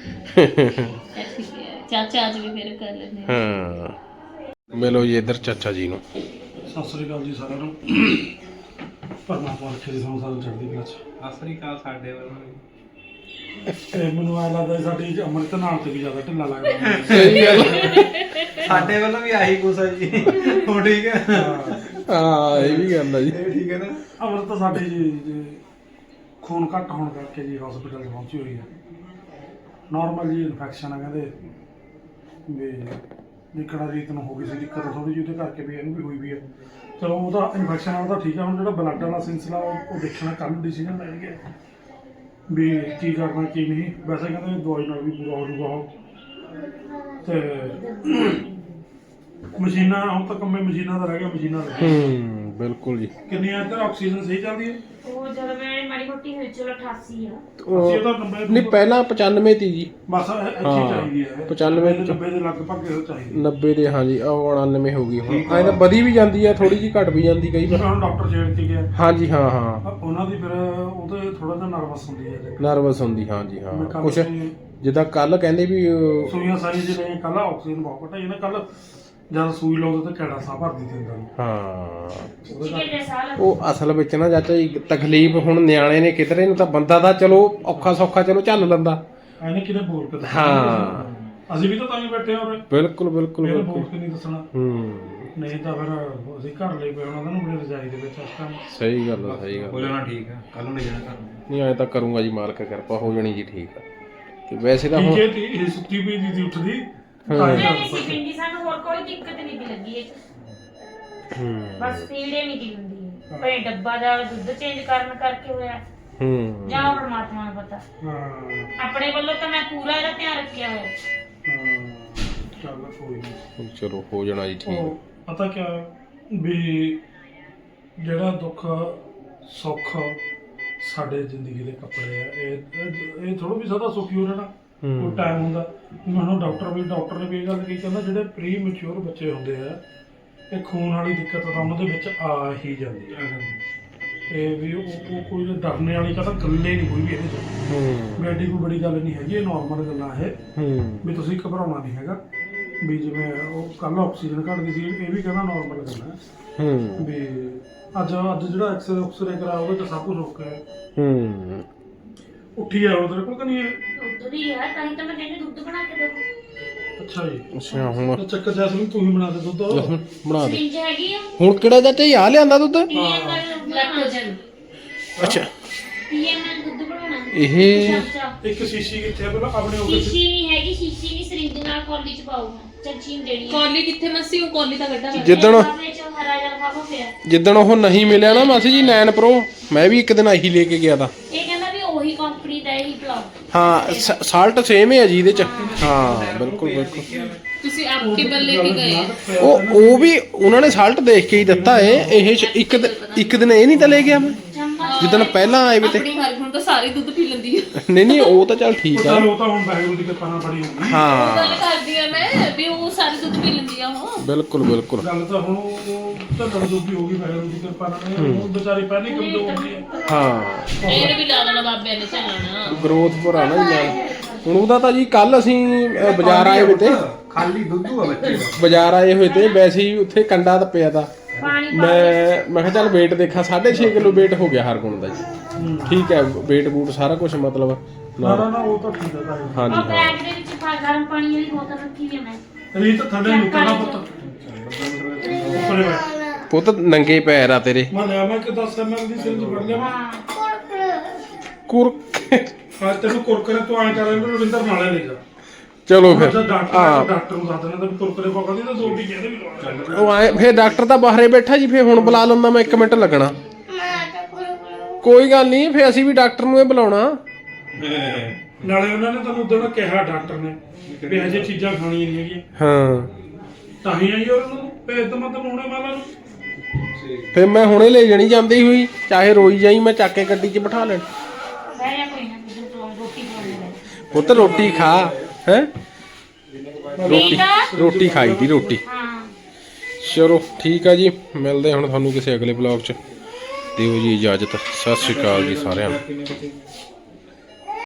ਚਾਚਾ ਅੱਜ ਵੀ ਫਿਰ ਕਰ ਲੈਂਦੇ ਹਾਂ ਮਿਲੋ ਜੀ ਇੱਧਰ ਚਾਚਾ ਜੀ ਨੂੰ। ਸਤਿ ਸ੍ਰੀ ਅਕਾਲ ਜੀ ਸਾਰਿਆਂ ਨੂੰ। ਪਰਮਾਤਮਾ ਰੱਖੇ ਜੀ ਸਾਨੂੰ ਸਾਰਿਆਂ ਚੜ੍ਹਦੀ ਕਲਾ 'ਚ। ਸਤਿ ਸ੍ਰੀ ਅਕਾਲ ਸਾਡੇ ਵੱਲੋਂ ਵੀ। ਤੇ ਮੈਨੂੰ ਐਂ ਲੱਗਦਾ ਸਾਡੀ ਅੰਮ੍ਰਿਤ ਨਾਲ ਤੇ ਵੀ ਜ਼ਿਆਦਾ ਢਿੱਲਾ ਲੱਗਦਾ। ਸਹੀ ਗੱਲ ਸਾਡੇ ਵੱਲੋਂ ਵੀ ਆਹੀ ਕੁਛ ਹੈ ਜੀ। ਹੁਣ ਠੀਕ ਹੈ। ਹਾਂ ਇਹ ਵੀ ਗੱਲ ਆ ਜੀ। ਇਹ ਠੀਕ ਹੈ ਨਾ। ਅੰਮ੍ਰਿਤ ਤਾਂ ਸਾਡੇ ਜੀ ਖੂਨ ਘੱਟ ਹੋਣ ਕਰਕੇ ਜੀ ਹਸਪੀਟਲ 'ਚ ਪਹੁੰਚੀ ਹੋਈ ਹੈ। ਨਾਰਮਲ ਜੀ ਇਨਫੈਕਸ਼ਨ ਆ ਕਹਿੰਦੇ ਵੀ ਨਿਕੜਾ ਰੀਤ ਨੂੰ ਹੋ ਗਈ ਸੀ ਦਿੱਕਤ ਥੋੜੀ ਜਿਹੀ ਉਹਦੇ ਕਰਕੇ ਵੀ ਇਹਨੂੰ ਵੀ ਹੋਈ ਵੀ ਹੈ। ਚਲੋ ਉਹਦਾ ਇਨਫੈਕਸ਼ਨ ਨਾਲ ਤਾਂ ਠੀਕ ਆ। ਹੁਣ ਜਿਹੜਾ ਬਲੱਡ ਵਾਲਾ ਸਿਲਸਿਲਾ ਉਹ ਦੇਖਣਾ ਕੱਲ੍ਹ ਨੂੰ ਡਿਸੀਜਨ ਲੈਣਗੇ ਵੀ ਕੀ ਕਰਨਾ ਕੀ ਨਹੀਂ। ਵੈਸੇ ਕਹਿੰਦੇ ਦਵਾਈ ਨਾਲ ਵੀ ਪੂਰਾ ਹੋ ਜਾਊਗਾ ਉਹ। ਤੇ ਮਸ਼ੀਨਾਂ ਹੁਣ ਤਾਂ ਕੰਮੇ ਮਸ਼ੀਨਾਂ ਦਾ ਰਹਿ ਗਿਆ ਮਸ਼ੀਨਾਂ ਦਾ ਬਿਲਕੁਲ ਜੀ। ਕਿੰਨੀ ਆ ਇੱਧਰ ਆਕਸੀਜਨ ਸਹੀ ਚੱਲਦੀ ਹੈ? ਉਹ ਜਦੋਂ ਮੈਂ ਮਾੜੀ ਮੋਟੀ ਹੋਈ ਚਲੋ 88 ਆ। ਅਸੀਂ ਤਾਂ 90 ਨਹੀਂ ਪਹਿਲਾਂ 95 ਤੀ ਜੀ, ਬਸ ਅੱਛੀ ਚਾਹੀਦੀ ਹੈ 95 90 ਦੇ ਲਗਭਗ ਇਹ ਚਾਹੀਦੀ 90 ਦੇ ਹਾਂਜੀ, ਉਹ 99 ਹੋ ਗਈ ਹੁਣ। ਐਂ ਤਾਂ ਵਧੀ ਵੀ ਜਾਂਦੀ ਆ, ਥੋੜੀ ਜਿਹੀ ਘਟ ਵੀ ਜਾਂਦੀ ਕਈ ਵਾਰ। ਜਿਵੇਂ ਹੁਣ ਡਾਕਟਰ ਛੇੜਤੀ ਗਿਆ ਹਾਂਜੀ ਹਾਂ ਹਾਂ, ਉਹਨਾਂ ਦੀ ਫਿਰ ਉਹਦੇ ਥੋੜਾ ਜਿਹਾ ਨਰਵਸ ਹੁੰਦੀ ਹੈ ਨਰਵਸ ਹੁੰਦੀ ਹਾਂਜੀ ਹਾਂ। ਮੈਂ ਕੱਲ੍ਹ ਕੁਛ ਵੀ ਜਿੱਦਾਂ ਕੱਲ ਕਹਿੰਦੇ ਵੀ ਸੂਈਆਂ ਸਾਈਆਂ ਜਿਹੜੇ ਕੱਲ ਆਕਸੀਜਨ ਬਹੁਤ ਘਟਾਈ ਨਾ ਕੱਲ ਜਦ ਸੂਈ ਲਾਉਂਦੇ ਤੇ ਕੈੜਾ ਸਾਹ ਭਰਦੀ ਸੀ ਅੰਦਰ ਨੂੰ। ਹਾਂ ਚਿਕੇ ਦੇ ਸਾਲ ਉਹ ਅਸਲ ਵਿੱਚ ਨਾ ਚਾਚਾ ਜੀ ਤਕਲੀਫ ਹੁਣ ਨਿਆਣੇ ਨੇ ਕਿਧਰੇ ਨੂੰ ਤਾਂ ਬੰਦਾ ਦਾ ਚਲੋ ਔਖਾ ਸੌਖਾ ਚਲੋ ਝੱਲ ਲੈਂਦਾ। ਐਨੇ ਕਿਤੇ ਬੋਲ ਕੇ ਦੱਸਣਾ। ਹਾਂ ਅਸੀਂ ਵੀ ਤਾਂ ਹੀ ਬੈਠੇ ਹਾਂ ਉਰੇ, ਬਿਲਕੁਲ ਬਿਲਕੁਲ ਮੇਰੇ ਬਿਲਕੁਲ। ਬੋਲ ਕੇ ਨਹੀਂ ਦੱਸਣਾ। ਨਹੀਂ ਤਾਂ ਫਿਰ ਅਸੀਂ ਘਰ ਲਈ ਪਏ ਉਹਨਾਂ ਨੂੰ ਬੜੀ ਰਜਾਈ ਦੇ ਵਿੱਚ ਇਸ ਟਾਈਮ। ਸਹੀ ਗੱਲ ਆ ਸਹੀ ਹੋ ਗੱਲ ਆ। ਜਾਣਾ ਠੀਕ ਆ, ਕੱਲ ਨੂੰ ਲੈ ਜਾਣਾ ਘਰ ਨੂੰ। ਨਹੀਂ ਐਂ ਤਾਂ ਕਰੂੰਗਾ ਜੀ, ਮਾਲਕ ਕਿਰਪਾ ਹੋ ਜਾਣੀ ਜੀ ਠੀਕ ਆ। ਤੇ ਵੈਸੇ ਤਾਂ ਠੀਕ ਹੁਣ ਹੈ ਤੇ ਇਹ ਸੁੱਤੀ ਪਈ ਦੀ ਉੱਠਦੀ ਨਹੀਂ ਸੀ ਪਿੰਡੀ, ਸਾਨੂੰ ਹੋਰ ਕੋਈ ਦਿੱਕਤ ਨਹੀਂ ਦੀ ਲੱਗੀ ਇਹ 'ਚ। ਬਸ ਪੀੜੇ ਨਹੀਂ ਦੀ ਹੁੰਦੀ ਭਾਵੇਂ ਡੱਬਾ ਦਾ ਦੁੱਧ ਚੇਂਜ ਕਰਨ ਕਰਕੇ ਹੋਇਆ ਜਾਂ ਪਰਮਾਤਮਾ ਨੂੰ ਪਤਾ। ਹਾਂ ਆਪਣੇ ਵੱਲੋਂ ਤਾਂ ਮੈਂ ਪੂਰਾ ਇਹਦਾ ਧਿਆਨ ਰੱਖਿਆ ਹੋਇਆ। ਚੱਲ ਕੋਈ ਨਹੀਂ। ਚਲੋ ਹੋ ਜਾਣਾ ਜੀ ਠੀਕ। ਉਹ ਪਤਾ ਕਿਆ ਵੀ ਜਿਹੜਾ ਦੁੱਖ ਸੁੱਖ ਸਾਡੇ ਜ਼ਿੰਦਗੀ ਦੇ ਕੱਪੜੇ ਆ, ਇਹ ਥੋੜਾ ਵੀ ਸਦਾ ਸੁਖੀ ਹੋ ਰਹਿਣਾ। ਕੋਈ ਟਾਈਮ ਹੁੰਦਾ ਮੈਨੂੰ ਡਾਕਟਰ ਨੇ ਵੀ ਇਹ ਗੱਲ ਕਹੀ, ਕਹਿੰਦਾ ਜਿਹੜੇ ਪ੍ਰੀ ਮੈਚੁਰ ਬੱਚੇ ਹੁੰਦੇ ਆ ਇਹ ਖੂਨ ਵਾਲੀ ਦਿੱਕਤ ਤਾਂ ਉਹਨਾਂ ਦੇ ਵਿੱਚ ਆ ਹੀ ਜਾਂਦੀ ਹੈ। ਇਹ ਵੀ ਉਹ ਕੋਈ ਡਰਨੇ ਵਾਲੀ ਤਾਂ ਗੱਲੇ ਨਹੀਂ ਕੋਈ ਵੀ ਇਹਦੇ ਚ। ਵੀ ਐਡੀ ਕੋਈ ਬੜੀ ਗੱਲ ਨਹੀਂ ਹੈਗੀ, ਇਹ ਨਾਰਮਲ ਗੱਲਾਂ ਇਹ ਵੀ ਤੁਸੀਂ ਘਬਰਾਉਣਾ ਨਹੀਂ ਹੈਗਾ। ਵੀ ਜਿਵੇਂ ਉਹ ਕੱਲ ਆਕਸੀਜਨ ਘਟਦੀ ਸੀ, ਇਹ ਵੀ ਕਹਿੰਦਾ ਨਾਰਮਲ ਗੱਲ ਹੈ। ਵੀ ਅੱਜ ਜਿਹੜਾ ਐਕਸਰੇ ਕਰਾਇਆ ਉਹਦੇ ਚ ਸਭ ਕੁਝ ਓਕੇ ਉੱਠੀ ਆ ਉਹ ਤੇਰੇ ਕੋਲ ਤਾਂ ਨਹੀਂ ਹੈ? ਦੁੱਧ ਦੀ ਹੈ ਤਾਂ ਹੀ ਤਾਂ ਮੈਂ ਕਹਿੰਦੀ ਦੁੱਧ ਬਣਾ ਕੇ ਦਿਓ। ਅੱਛਾ ਜੀ। ਅੱਛਾ ਹੁਣ ਤਾਂ ਚੱਕਰ ਜੈਸਮੀਨ ਤੂੰ ਹੀ ਬਣਾ ਦੇ ਦੁੱਧ। ਬਣਾ ਦੇ। ਸਿੰਜ ਹੈਗੀ ਆ ਹੁਣ ਕਿਹੜਾ ਚਾਚਾ ਜੀ ਆ ਲਿਆਂਦਾ ਦੁੱਧ? ਪੀਐਮ ਨਾਲ ਲੈਕਟੋਜਨ ਅੱਛਾ ਪੀਐਮ ਨਾਲ ਦੁੱਧ ਬਣਾਉਣਾ। ਇਹ ਇੱਕ ਸ਼ੀਸ਼ੀ ਕਿੱਥੇ ਆ ਪਹਿਲਾਂ ਆਪਣੇ ਉਹ ਸ਼ੀਸ਼ੀ ਨਹੀਂ ਹੈਗੀ, ਸ਼ੀਸ਼ੀ ਨਹੀਂ ਸਰਿੰਜ ਨਾਲ ਕੌਲੀ ਚ ਪਾਊਗਾ। ਚਮਚੀ ਦੇਣੀ ਕੌਲੀ ਕਿੱਥੇ ਮੱਸੀ ਉਹ ਕੌਲੀ ਤਾਂ ਕੱਢਾ ਜਿੱਦਣ ਆਪਣੇ ਚ ਹਰਾ ਜਿਹਾ ਲਿਫਾਫਾ ਪਿਆ। ਜਿੱਦਣ ਉਹ ਨਹੀਂ ਮਿਲਿਆ ਨਾ ਮਾਸੀ ਜੀ 9 Pro, ਮੈਂ ਵੀ ਇੱਕ ਦਿਨ ਆਹੀ ਲੈ ਕੇ ਗਿਆ ਤਾ। ਇਹ ਕਹਿੰਦਾ ਵੀ ਉਹੀ ਕੰਪਨੀ ਦਾ ਇਹੀ ਪਲਾਉ। ਹਾਂ ਸਾਲਟ ਸੇਮ ਹੈ ਜੀ ਇਹਦੇ ਚ। ਹਾਂ ਬਿਲਕੁਲ ਬਿਲਕੁਲ। ਤੁਸੀਂ ਆਪਕੇ ਬੱਲੇ ਕੀ ਗਏ? ਉਹ ਵੀ ਉਹਨਾਂ ਨੇ ਸਾਲਟ ਦੇਖ ਕੇ ਹੀ ਦਿੱਤਾ ਏ। ਇਹ ਇੱਕ ਦਿਨ ਇਹ ਨਹੀਂ ਤਾਂ ਲੈ ਗਿਆ ਮੈਂ ਜਿੱਦਣ ਪਹਿਲਾਂ ਆਏ ਵੀ ਤੇ। ਆਪਣੀ ਹਰਗੁਣ ਤਾਂ ਸਾਰੀ ਦੁੱਧ ਪੀ ਲੈਂਦੀ ਹੈ। ਨਹੀਂ ਉਹ ਤਾਂ ਚੱਲ ਠੀਕ ਆ। ਉਹ ਤਾਂ ਹੁਣ ਵਾਹਿਗੁਰੂ ਦੀ ਕਿਰਪਾ ਨਾਲ ਬੜੀ ਹੋਊਗੀ। ਹਾਂ ਗੱਲ ਕਰਦੀ ਆ ਮੈਂ ਵੀ ਉਹ ਸਾਰੀ ਦੁੱਧ ਪੀ ਲੈਂਦੀ ਆ ਉਹ। ਬਿਲਕੁਲ ਬਿਲਕੁਲ। ਗੱਲ ਤਾਂ ਹੁਣ ਉਹ ਢੱਲਣ ਜੋਗੀ ਹੋ ਗਈ ਵਾਹਿਗੁਰੂ ਦੀ ਕਿਰਪਾ ਨਾਲ। ਉਹ ਵਿਚਾਰੀ ਪਹਿਲੀ ਕਮਜ਼ੋਰ ਹੁੰਦੀ ਹੈ। ਹਾਂ ਇਹਨੂੰ ਵੀ ਲਾ ਦੇਣਾ ਬਾਬਿਆਂ ਨੇ ਚੱਲਣਾ। ਗਰੋਥ ਪਰ ਆ ਨਾ ਜੀ ਨਾਲ। ਹੁਣ ਉਹਦਾ ਤਾਂ ਜੀ ਕੱਲ ਅਸੀਂ ਬਾਜ਼ਾਰ ਆਏ ਹੋਏ ਤੇ, ਖਾਲੀ ਦੁੱਧੂ ਆ ਬੱਚੇ ਦਾ। ਬਾਜ਼ਾਰ ਆਏ ਹੋਏ ਤੇ ਵੈਸੇ ਹੀ ਉੱਥੇ ਕੰਡਾ ਤਾਂ ਪਿਆ ਤਾ। ਪਾਣੀ ਮੈਂ ਕਿਹਾ ਚੱਲ weight ਦੇਖਾਂ, 6.5 ਕਿਲੋ weight ਹੋ ਗਿਆ ਹਰਗੁਣ ਦਾ ਜੀ। ਠੀਕ ਹੈ weight ਬੂਟ ਸਾਰਾ ਕੁਝ ਮਤਲਬ ਨਾ ਉਹ ਤਾਂ ਠੀਕ ਹੈ ਭਾਈ। ਹਾਂਜੀ ਉਹ ਹਾਂ ਬੈਗ ਦੇ ਵਿੱਚ ਗਰਮ ਪਾਣੀ ਵਾਲੀ ਬੋਤਲ ਰੱਖੀ ਹੋਈ ਹੈ ਮੈਂ। ਰੀਤ ਥੱਲੇ ਨਿਕਲਣਾ ਪੁੱਤ ਉੱਪਰੇ ਬੈਠ। ਪੁੱਤ ਨੰਗੇ ਪੈਰ ਆ ਤੇਰੇ। ਮੈਂ ਲਿਆ ਮੈਂ ਕਿ 10 ml ਦੀ ਸਿਰੰਜ ਫੜ ਲਿਆ ਮੈਂ। ਕੁਰਕ ਅੱਜ ਤੈਨੂੰ ਕੁਰਕਰੇ ਤੋਂ ਆਇਆ ਕਰ ਇਹਨੂੰ ਰਵਿੰਦਰ ਨਾਲੇ ਲੈ ਜਾ। ਚਲੋ ਫਿਰ ਡਾਕਟਰ ਨੂੰ ਦੱਸ ਦੇਣਾ ਤਾਂ ਕੁਰਕਰੇ ਪਾਉਂਦੀ ਤਾਂ 2 ਟੀਕੇ ਇਹਦੇ ਵੀ ਲਵਾ। ਉਹ ਆਏ ਫਿਰ ਡਾਕਟਰ ਤਾਂ ਬਾਹਰੇ ਬੈਠਾ ਜੀ। ਫਿਰ ਹੁਣ ਬੁਲਾ ਲੈਂਦਾ ਮੈਂ, 1 ਮਿੰਟ ਲੱਗਣਾ। ਕੋਈ ਗੱਲ ਨਹੀਂ, ਫਿਰ ਅਸੀਂ ਵੀ ਡਾਕਟਰ ਨੂੰ ਇਹ ਬੁਲਾਉਣਾ। ਨਾਲੇ ਉਹਨਾਂ ਨੇ ਤੁਹਾਨੂੰ ਉਦੋਂ ਕਿਹਾ ਡਾਕਟਰ ਨੇ ਵੀ ਇਹ ਜਿਹੀ ਚੀਜ਼ਾਂ ਖਾਣੀਆਂ ਨਹੀਂ ਹੈਗੀਆਂ। ਹਾਂ ਤਾਂ ਹੀ ਆਈ ਉਹਨਾਂ ਨੂੰ ਭੇਜ ਤਾਂ ਮਤਲਬ ਹੁਣੇ ਮਾਲਾ ਨੂੰ। ਫਿਰ ਮੈਂ ਹੁਣੇ ਲੈ ਜਾਣੀ ਜਾਂਦੀ ਹੋਈ, ਚਾਹੇ ਰੋਈ ਜਾਈ, ਮੈਂ ਚੱਕ ਕੇ ਗੱਡੀ 'ਚ ਬਿਠਾ ਲੈਣ। ਬਹਿ ਜਾ ਕੋਈ ਨਾ, ਰੋਟੀ ਖਾਣ ਲੈ। ਪੁੱਤ ਰੋਟੀ ਖਾ ਹੈ। ਰੋਟੀ ਖਾਈ ਦੀ ਰੋਟੀ। ਹਾਂ ਚਲੋ ਠੀਕ ਆ ਜੀ, ਮਿਲਦੇ ਹੁਣ ਤੁਹਾਨੂੰ ਕਿਸੇ ਅਗਲੇ ਬਲੌਗ 'ਚ। ਦਿਓ ਜੀ ਇਜਾਜ਼ਤ। ਸਤਿ ਸ਼੍ਰੀ ਅਕਾਲ ਜੀ ਸਾਰਿਆਂ ਨੂੰ।